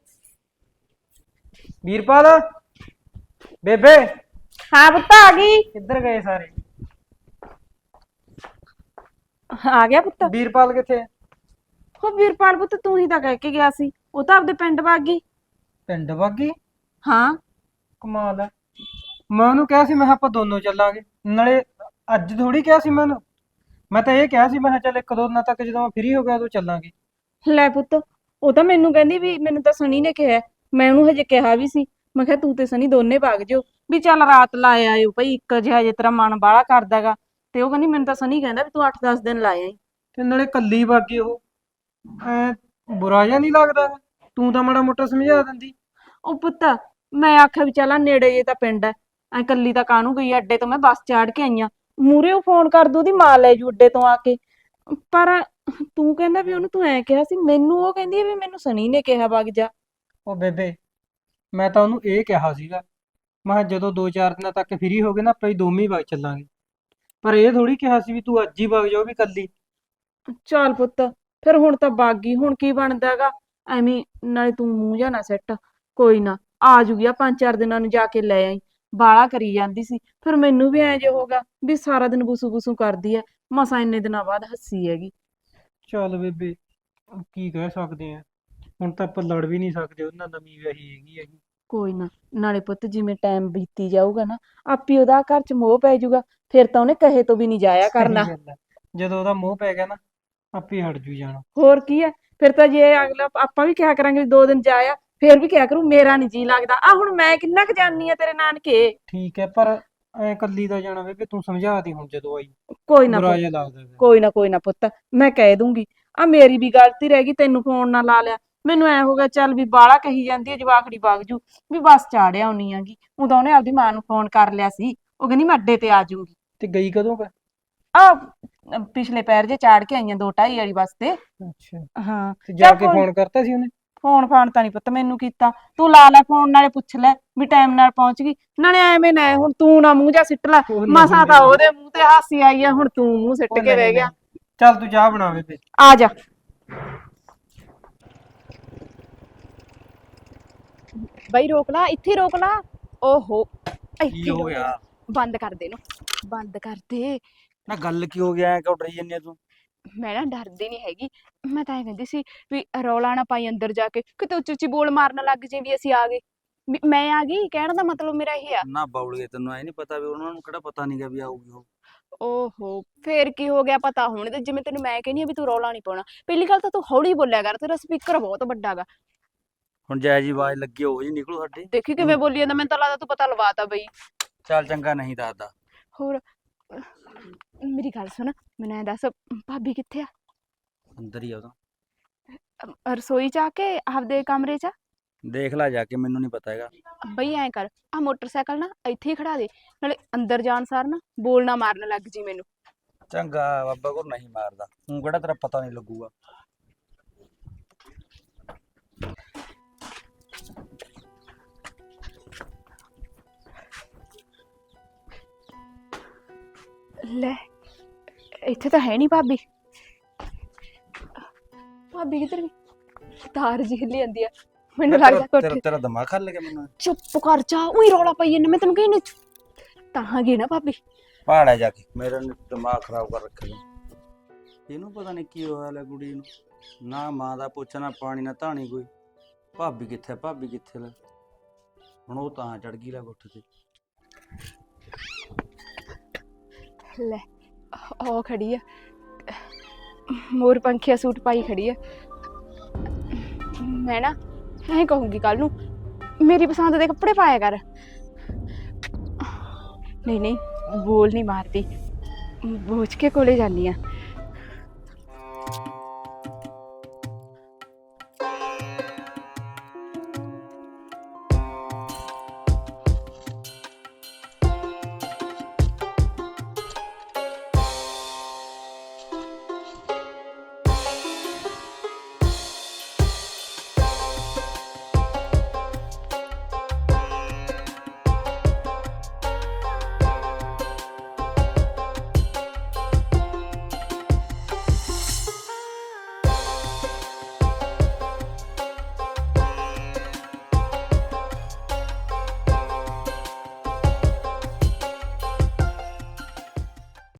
B: ਵੀਰਪਾਲ ਬੇਬੇ
C: ਹਾਂ ਪੁੱਤ ਆ ਗਈ।
B: ਕਿੱਧਰ ਗਏ ਸਾਰੇ?
C: ਆ ਗਿਆ ਪੁੱਤ।
B: ਵੀਰਪਾਲ ਕਿੱਥੇ?
C: ਹੋ ਵੀਰਪਾਲ ਪੁੱਤ ਤੂੰ ਹੀ ਤਾਂ ਕਹਿ ਕੇ ਗਿਆ ਸੀ ਉਹ ਤਾਂ ਆਪਦੇ ਪਿੰਡ ਵਗ ਗਈ।
B: ਪਿੰਡ ਵਾਗੀ?
C: ਹਾਂ
B: ਕਮਾਲ ਹੈ। ਮੈਂ ਉਹਨੂੰ ਕਿਹਾ ਸੀ ਮੈਂ ਕਿਹਾ ਆਪਾਂ ਦੋਨੋਂ ਚੱਲਾਂਗੇ ਨਾਲੇ ਅੱਜ ਥੋੜੀ ਕਿਹਾ ਸੀ ਮੈਂ ਉਹਨੂੰ। ਮੈਂ ਤਾਂ ਇਹ ਕਿਹਾ ਸੀ ਮੈਂ ਕਿਹਾ ਚੱਲ ਇੱਕ ਦੋ ਦਿਨਾਂ ਤੱਕ ਜਦੋਂ ਮੈਂ ਫ੍ਰੀ ਹੋ ਗਿਆ ਉਦੋਂ ਚੱਲਾਂਗੇ।
C: ਲੈ ਪੁੱਤ ਉਹ ਤਾਂ ਮੈਨੂੰ ਕਹਿੰਦੀ ਵੀ ਮੈਨੂੰ ਤਾਂ ਸਣੀ ਨੇ ਕਿਹਾ ਮੈਂ ਉਹਨੂੰ ਹਜੇ ਕਿਹਾ ਵੀ ਸੀ ਮੈਂ ਕਿਹਾ ਤੂੰ ਤੇ ਸਣੀ ਦੋਨੇ ਵਗ ਜਿਓ ਵੀ ਚੱਲ ਰਾਤ ਲਾ ਆਇਓ ਭਾਈ ਇੱਕ ਜਿਹਾ ਜੇ ਤੇਰਾ ਮਨ ਬਾਹਲਾ ਕਰਦਾਗਾ। ਤੇ ਉਹ ਕਹਿੰਦੀ ਮੈਨੂੰ ਤਾਂ ਸਣੀ ਕਹਿੰਦਾ ਵੀ ਤੂੰ ਅੱਠ ਦਸ ਦਿਨ ਲਾ ਆਈ।
B: ਤੇ ਨਾਲੇ ਕੱਲੀ ਵਾਗੀ ਉਹ ਐ ਬੁਰਾ ਜਿਹਾ ਨਹੀਂ ਲੱਗਦਾ? ਤੂੰ ਤਾਂ ਮਾੜਾ ਮੋਟਾ ਸਮਝਾ ਦਿੰਦੀ।
C: ਉਹ ਪੁੱਤ ਮੈਂ ਆਖਿਆ ਵੀ ਚੱਲ ਨੇੜੇ ਜੇ ਤਾਂ ਪਿੰਡ ਐ ਐ ਕੱਲੀ ਤਾਂ ਕਾਹਨੂੰ ਗਈ ਅੱਡੇ ਤੋਂ ਮੈਂ ਬੱਸ ਚਾੜ ਕੇ ਆਈ ਆਂ ਮੂਹਰੇ ਉਹ ਫੋਨ ਕਰ ਦੂ ਉਹਦੀ ਮਾਂ ਲੈ ਜੂ ਅੱਡੇ ਤੋਂ ਆ ਕੇ। ਪਰ ਤੂੰ ਕਹਿੰਦਾ ਵੀ ਉਹਨੂੰ ਤੂੰ ਐ ਕਿਹਾ ਸੀ ਮੈਨੂੰ ਉਹ ਕਹਿੰਦੀ ਆ ਵੀ ਮੈਨੂੰ ਸਣੀ ਨੇ ਕਿਹਾ ਵਗ ਜਾ।
B: ਉਹ ਬੇਬੇ ਮੈਂ ਤਾਂ ਉਹਨੂੰ ਇਹ ਕਿਹਾ ਸੀਗਾ ਮੈਂ ਕਿਹਾ ਜਦੋਂ ਦੋ ਚਾਰ ਦਿਨਾਂ ਤੱਕ ਫ੍ਰੀ ਹੋ ਗਏ ਨਾ ਆਪਾਂ ਹੀ ਦੋਵੇਂ ਹੀ ਵਗ ਚੱਲਾਂਗੇ। ਪਰ ਇਹ ਥੋੜੀ ਕਿਹਾ ਸੀ ਵੀ ਤੂੰ ਅੱਜ ਹੀ ਵਗ ਜਾਓ ਵੀ ਕੱਲੀ।
C: ਚੱਲ ਪੁੱਤ ਫਿਰ ਹੁਣ ਤਾਂ ਵਗ ਗਈ ਹੁਣ ਕੀ ਬਣਦਾਗਾ ਐਵੇਂ ਨਾਲੇ ਤੂੰ ਮੂੰਹ ਜਾ ਨਾ ਸੈੱਟ ਕੋਈ ਨਾ ਆ ਜੂਗੀ ਆ ਪੰਜ ਚਾਰ ਦਿਨਾਂ ਨੂੰ ਜਾ ਕੇ ਲੈ ਆਈ। ਬਾਲਾ ਕਰੀ ਜਾਂਦੀ ਸੀ ਫਿਰ ਮੈਨੂੰ ਵੀ ਐ ਜੇ ਹੋਗਾ ਵੀ ਸਾਰਾ ਦਿਨ ਬੁਸੂ ਬੁਸੂ ਕਰਦੀ ਐ ਮਸਾਂ ਇੰਨੇ ਦਿਨਾਂ ਬਾਅਦ ਹੱਸੀ ਹੈਗੀ।
B: ਚੱਲ ਬੇਬੇ ਕੀ ਕਹਿ ਸਕਦੇ ਆ ਹੁਣ ਤਾਂ ਆਪਾਂ ਲੜ ਵੀ ਨਹੀਂ ਸਕਦੇ ਉਹਨਾਂ ਨਵੀਂ ਵਿਆਹੀ ਹੈਗੀ ਹੈਗੀ।
C: ਕੋਈ ਨਾ ਨਾਲੇ ਪੁੱਤ ਜਿਵੇਂ ਟਾਈਮ ਬੀਤੀ ਜਾਊਗਾ ਨਾ ਆਪੀ ਉਹਦਾ ਘਰ ਚ ਮੋਹ ਪੈ ਜਾਊਗਾ ਫਿਰ ਤਾਂ ਉਹਨੇ ਕਹੇ ਤੋਂ ਵੀ ਨਹੀਂ ਜਾਇਆ ਕਰਨਾ।
B: ਸਹੀ ਗੱਲ ਹੈ। ਜਦੋਂ ਉਹਦਾ ਮੋਹ ਪੈ ਗਿਆ ਨਾ ਆਪੇ ਹਟ ਜੂ ਜਾਣਾ।
C: ਹੋਰ ਕੀ ਹੈ ਫਿਰ ਤਾਂ ਜੇ ਅਗਲਾ ਆਪਾਂ ਵੀ ਕਿਹਾ ਕਰਾਂਗੇ ਵੀ ਦੋ ਦਿਨ ਜਾਇਆ ਫਿਰ ਵੀ ਕਿਹਾ ਕਰੂ ਮੇਰਾ ਨੀ ਜੀ ਲੱਗਦਾ ਆ ਹੁਣ ਮੈਂ ਕਿੰਨਾ ਕੁ ਜਾਨੀ ਆ ਤੇਰੇ ਨਾਨਕੇ।
B: ਠੀਕ ਹੈ ਪਰ ਐ ਕੱਲੀ ਦਾ ਜਾਣਾ ਬੇਬੇ ਤੂੰ ਸਮਝਾ ਦੀ ਹੁਣ ਜਦੋਂ ਆਈ
C: ਕੋਈ ਨਾ
B: ਬੁਰਾ
C: ਪੁੱਤ
B: ਜਿਹਾ ਲੱਗਦਾ ਫਿਰ।
C: ਕੋਈ ਨਾ ਕੋਈ ਨਾ ਪੁੱਤ ਮੈਂ ਕਹਿ ਦੂੰਗੀ ਆ ਮੇਰੀ ਵੀ ਗਲਤੀ ਰਹਿ ਗਈ ਤੈਨੂੰ ਫੋਨ ਨਾ ਲਾ ਲਿਆ ਮੈਨੂੰ ਐ ਹੋ ਗਿਆ ਚੱਲ ਵੀ ਬਾਹਲਾ ਕਹੀ ਜਾਂਦੀ ਹੈ ਜਵਾਕੜੀ ਵਗ ਜੂ ਵੀ ਬੱਸ ਚਾੜਿਆ ਆਉਣੀ ਆਗੀ ਉਦੋਂ ਉਹਨੇ ਆਪਦੀ ਮਾਂ ਨੂੰ ਫੋਨ ਕਰ ਲਿਆ ਸੀ ਉਹ ਕਹਿੰਦੀ ਮੈਂ ਅੱਡੇ ਤੇ ਆ ਜਾਊਂਗੀ।
B: ਤੇ ਗਈ ਕਦੋਂ ਕਾ?
C: ਆ ਪਿਛਲੇ ਪੈਰ ਜੇ ਚਾੜ ਕੇ ਆਈਆਂ ਦੋ ਢਾਈ ਵਾਲੀ ਬੱਸ ਤੇ।
B: ਅੱਛਾ
C: ਹਾਂ
B: ਤੇ ਜਾ
C: ਚੱਲ
B: ਕੇ
C: ਕੋਈ-
B: ਫੋਨ ਕਰਤਾ ਸੀ ਉਹਨੇ?
C: ਫੋਨ ਫਾਨ ਤਾਂ ਨਹੀਂ ਪੁੱਤ ਮੈਨੂੰ ਕੀਤਾ ਤੂੰ ਲਾ ਲੈ ਫੋਨ ਨਾਲੇ ਪੁੱਛ ਲੈ ਵੀ ਟਾਈਮ ਨਾਲ ਪਹੁੰਚ ਗਈ ਨਾਲੇ ਐਵੇਂ ਨਾ ਹੁਣ ਤੂੰ ਨਾ ਮੂੰਹ ਜਾ ਸਿੱਟ ਲੈ
B: ਉਹ ਨਹੀਂ
C: ਮਸਾਂ ਤਾਂ
B: ਨਹੀਂ।
C: ਉਹਦੇ ਮੂੰਹ ਤੇ ਹਾਸੀ ਆਈ ਆ ਹੁਣ ਤੂੰ ਮੂੰਹ ਸਿੱਟ
B: ਉਹ
C: ਕੇ
B: ਨਹੀਂ
C: ਰਹਿ ਗਿਆ।
B: ਨਹੀਂ। ਚੱਲ ਤੂੰ ਚਾਹ ਬਣਾ ਬੇਬੇ।
C: ਆ ਜਾ
D: ਬਈ ਰੋਕ ਲਾ ਇੱਥੇ ਰੋਕ ਲਾ। ਓਹੋ
G: ਕੀ
D: ਇੱਥੇ
G: ਹੋ
D: ਰੋਕ।
G: ਗਿਆ?
D: ਬੰਦ ਕਰ ਦੇ ਨੂੰ ਬੰਦ ਕਰ ਦੇ।
G: ਨਾ ਗੱਲ ਕੀ ਹੋ ਗਿਆ ਐ ਕਿਉਂ ਡਰੀ ਜੰਨੀ ਤੂੰ?
D: ਮੈਂ ਨਾ ਡਰਦੀ ਨਹੀਂ ਹੈਗੀ ਮੈਂ ਤਾਂ ਇਹ ਕਹਿੰਦੀ ਸੀ ਵੀ ਰੌਲਾ ਨਾ ਪਾਈ ਅੰਦਰ ਜਾ ਕੇ ਕਿਤੇ ਉੱਚੀ ਉੱਚੀ ਬੋਲ ਮਾਰਨ ਲੱਗ ਜੇ ਵੀ ਅਸੀਂ ਆ ਗਏ ਵੀ ਮੈਂ ਆ ਗਈ ਕਹਿਣ ਦਾ ਮਤਲਬ ਮੇਰਾ ਇਹ ਆ।
G: ਨਾ ਬਾਉਲੀਏ ਤੈਨੂੰ ਐ ਨਹੀਂ ਪਤਾ ਵੀ ਉਹਨਾਂ ਨੂੰ ਕਿਹੜਾ ਪਤਾ ਨਹੀਂਗਾ ਵੀ ਆਊਗੀ ਉਹ।
D: ਓਹੋ ਫੇਰ ਕੀ ਹੋ ਗਿਆ ਪਤਾ ਹੁਣ ਤੇ ਜਿਵੇਂ ਤੈਨੂੰ ਮੈਂ ਕਹਿੰਦੀ ਆ ਵੀ ਤੂੰ ਰੌਲਾ ਨਹੀਂ ਪਾਉਣਾ ਪਹਿਲੀ ਗੱਲ ਤਾਂ ਤੂੰ ਹੌਲੀ ਬੋਲਿਆ ਕਰ ਤੇਰਾ ਸਪੀਕਰ ਬਹੁਤ ਵੱਡਾ ਗਾ।
G: ਹੁਣ ਜੈ ਜੀ ਆਵਾਜ਼ ਲੱਗੀ ਉਹ ਜੀ ਨਿਕਲੂ ਸਾਡੇ।
D: ਦੇਖੀ ਕਿਵੇਂ ਬੋਲੀ ਜਾਂਦਾ ਮੈਨੂੰ ਤਾਂ ਲੱਗਦਾ ਤੂੰ ਪਤਾ ਲਵਾਤਾ ਬਈ।
G: ਚੱਲ ਚੰਗਾ ਨਹੀਂ ਦੱਸਦਾ।
D: ਹੋਰ ਮੇਰੀ ਗੱਲ ਸੁਣ ਮੈਨੂੰ ਐਂ ਦੱਸ ਭਾਬੀ ਕਿੱਥੇ ਆ?
G: ਅੰਦਰ ਹੀ ਆ ਉਹ ਤਾਂ।
D: ਅਮ, ਰਸੋਈ ਚ ਆ ਕੇ ਆਪਦੇ ਕਮਰੇ ਚ ਆ?
G: ਦੇਖ ਲੈ ਜਾ ਕੇ, ਮੈਨੂੰ ਨਹੀਂ ਪਤਾ ਹੈਗਾ।
D: ਬਈ ਐਂ ਕਰ, ਆ ਮੋਟਰਸਾਈਕਲ ਨਾ ਇੱਥੇ ਹੀ ਖੜਾ ਦੇ, ਨਾਲੇ ਅੰਦਰ ਜਾਣ ਸਾਰ ਨਾ ਬੋਲਣਾ ਮਾਰਨ ਲੱਗ ਜੀ ਮੈਨੂੰ।
G: ਚੰਗਾ ਬਾਬਾ ਕੋਲ ਨਹੀਂ ਮਾਰਦਾ, ਤੂੰ ਕਿਹੜਾ ਤੇਰਾ ਪਤਾ ਨਹੀਂ ਲੱਗੂਗਾ।
D: ਲੈ ਇੱਥੇ ਤਾਂ ਹੈ ਨਹੀਂ ਭਾਬੀ। ਭਾਬੀ ਕਿੱਧਰ ਗਈ? ਤਾਰ ਜੀ ਹਿੱਲੀ ਜਾਂਦੀ ਆ, ਮੈਨੂੰ ਲੱਗਦਾ
G: ਤੇਰਾ
D: ਕੋਠੇ।
G: ਤੇਰਾ ਦਿਮਾਗ ਖੱਲ ਗਿਆ ਮੈਨੂੰ।
D: ਚੁੱਪ ਕਰ ਜਾ, ਉਹੀ ਰੌਲਾ ਪਾਈ ਜਾਂਦਾ, ਮੈਂ ਤੈਨੂੰ ਕਹਿੰਦੀ ਤਾਂ ਗਈ ਨਾ ਭਾਬੀ।
G: ਪਹਾੜਾ ਜਾ ਕੇ ਮੇਰਾ ਨੀ ਦਿਮਾਗ ਖਰਾਬ ਕਰ ਰੱਖਿਆ ਤੂੰ। ਇਹਨੂੰ ਪਤਾ ਨਹੀਂ ਕੀ ਹੋਇਆ ਲੈ ਕੁੜੀ ਨੂੰ, ਨਾ ਮਾਂ ਦਾ ਪੁੱਛ ਨਾ ਪਾਣੀ ਨਾ ਧਾਣੀ ਕੋਈ। ਭਾਬੀ ਕਿੱਥੇ ਭਾਬੀ ਕਿੱਥੇ ਲੈ, ਹੁਣ ਉਹ ਤਾਂ ਚੜ ਗਈ ਲੈ ਗੁੱਠ ਤੇ।
D: ਲੈ ਉਹ ਖੜੀ ਆ, ਮੋਰ ਪੰਖੀਆ ਸੂਟ ਪਾਈ ਖੜੀ ਆ। ਮੈਂ ਨਾ ਐਂ ਕਹੂੰਗੀ ਕੱਲ ਨੂੰ, ਮੇਰੀ ਪਸੰਦ ਦੇ ਕੱਪੜੇ ਪਾਇਆ ਕਰ। ਨਹੀਂ ਨਹੀਂ ਬੋਲ ਨਹੀਂ ਮਾਰਦੀ, ਬੋਝ ਕੇ ਕੋਲੇ ਜਾਂਦੀ ਆ।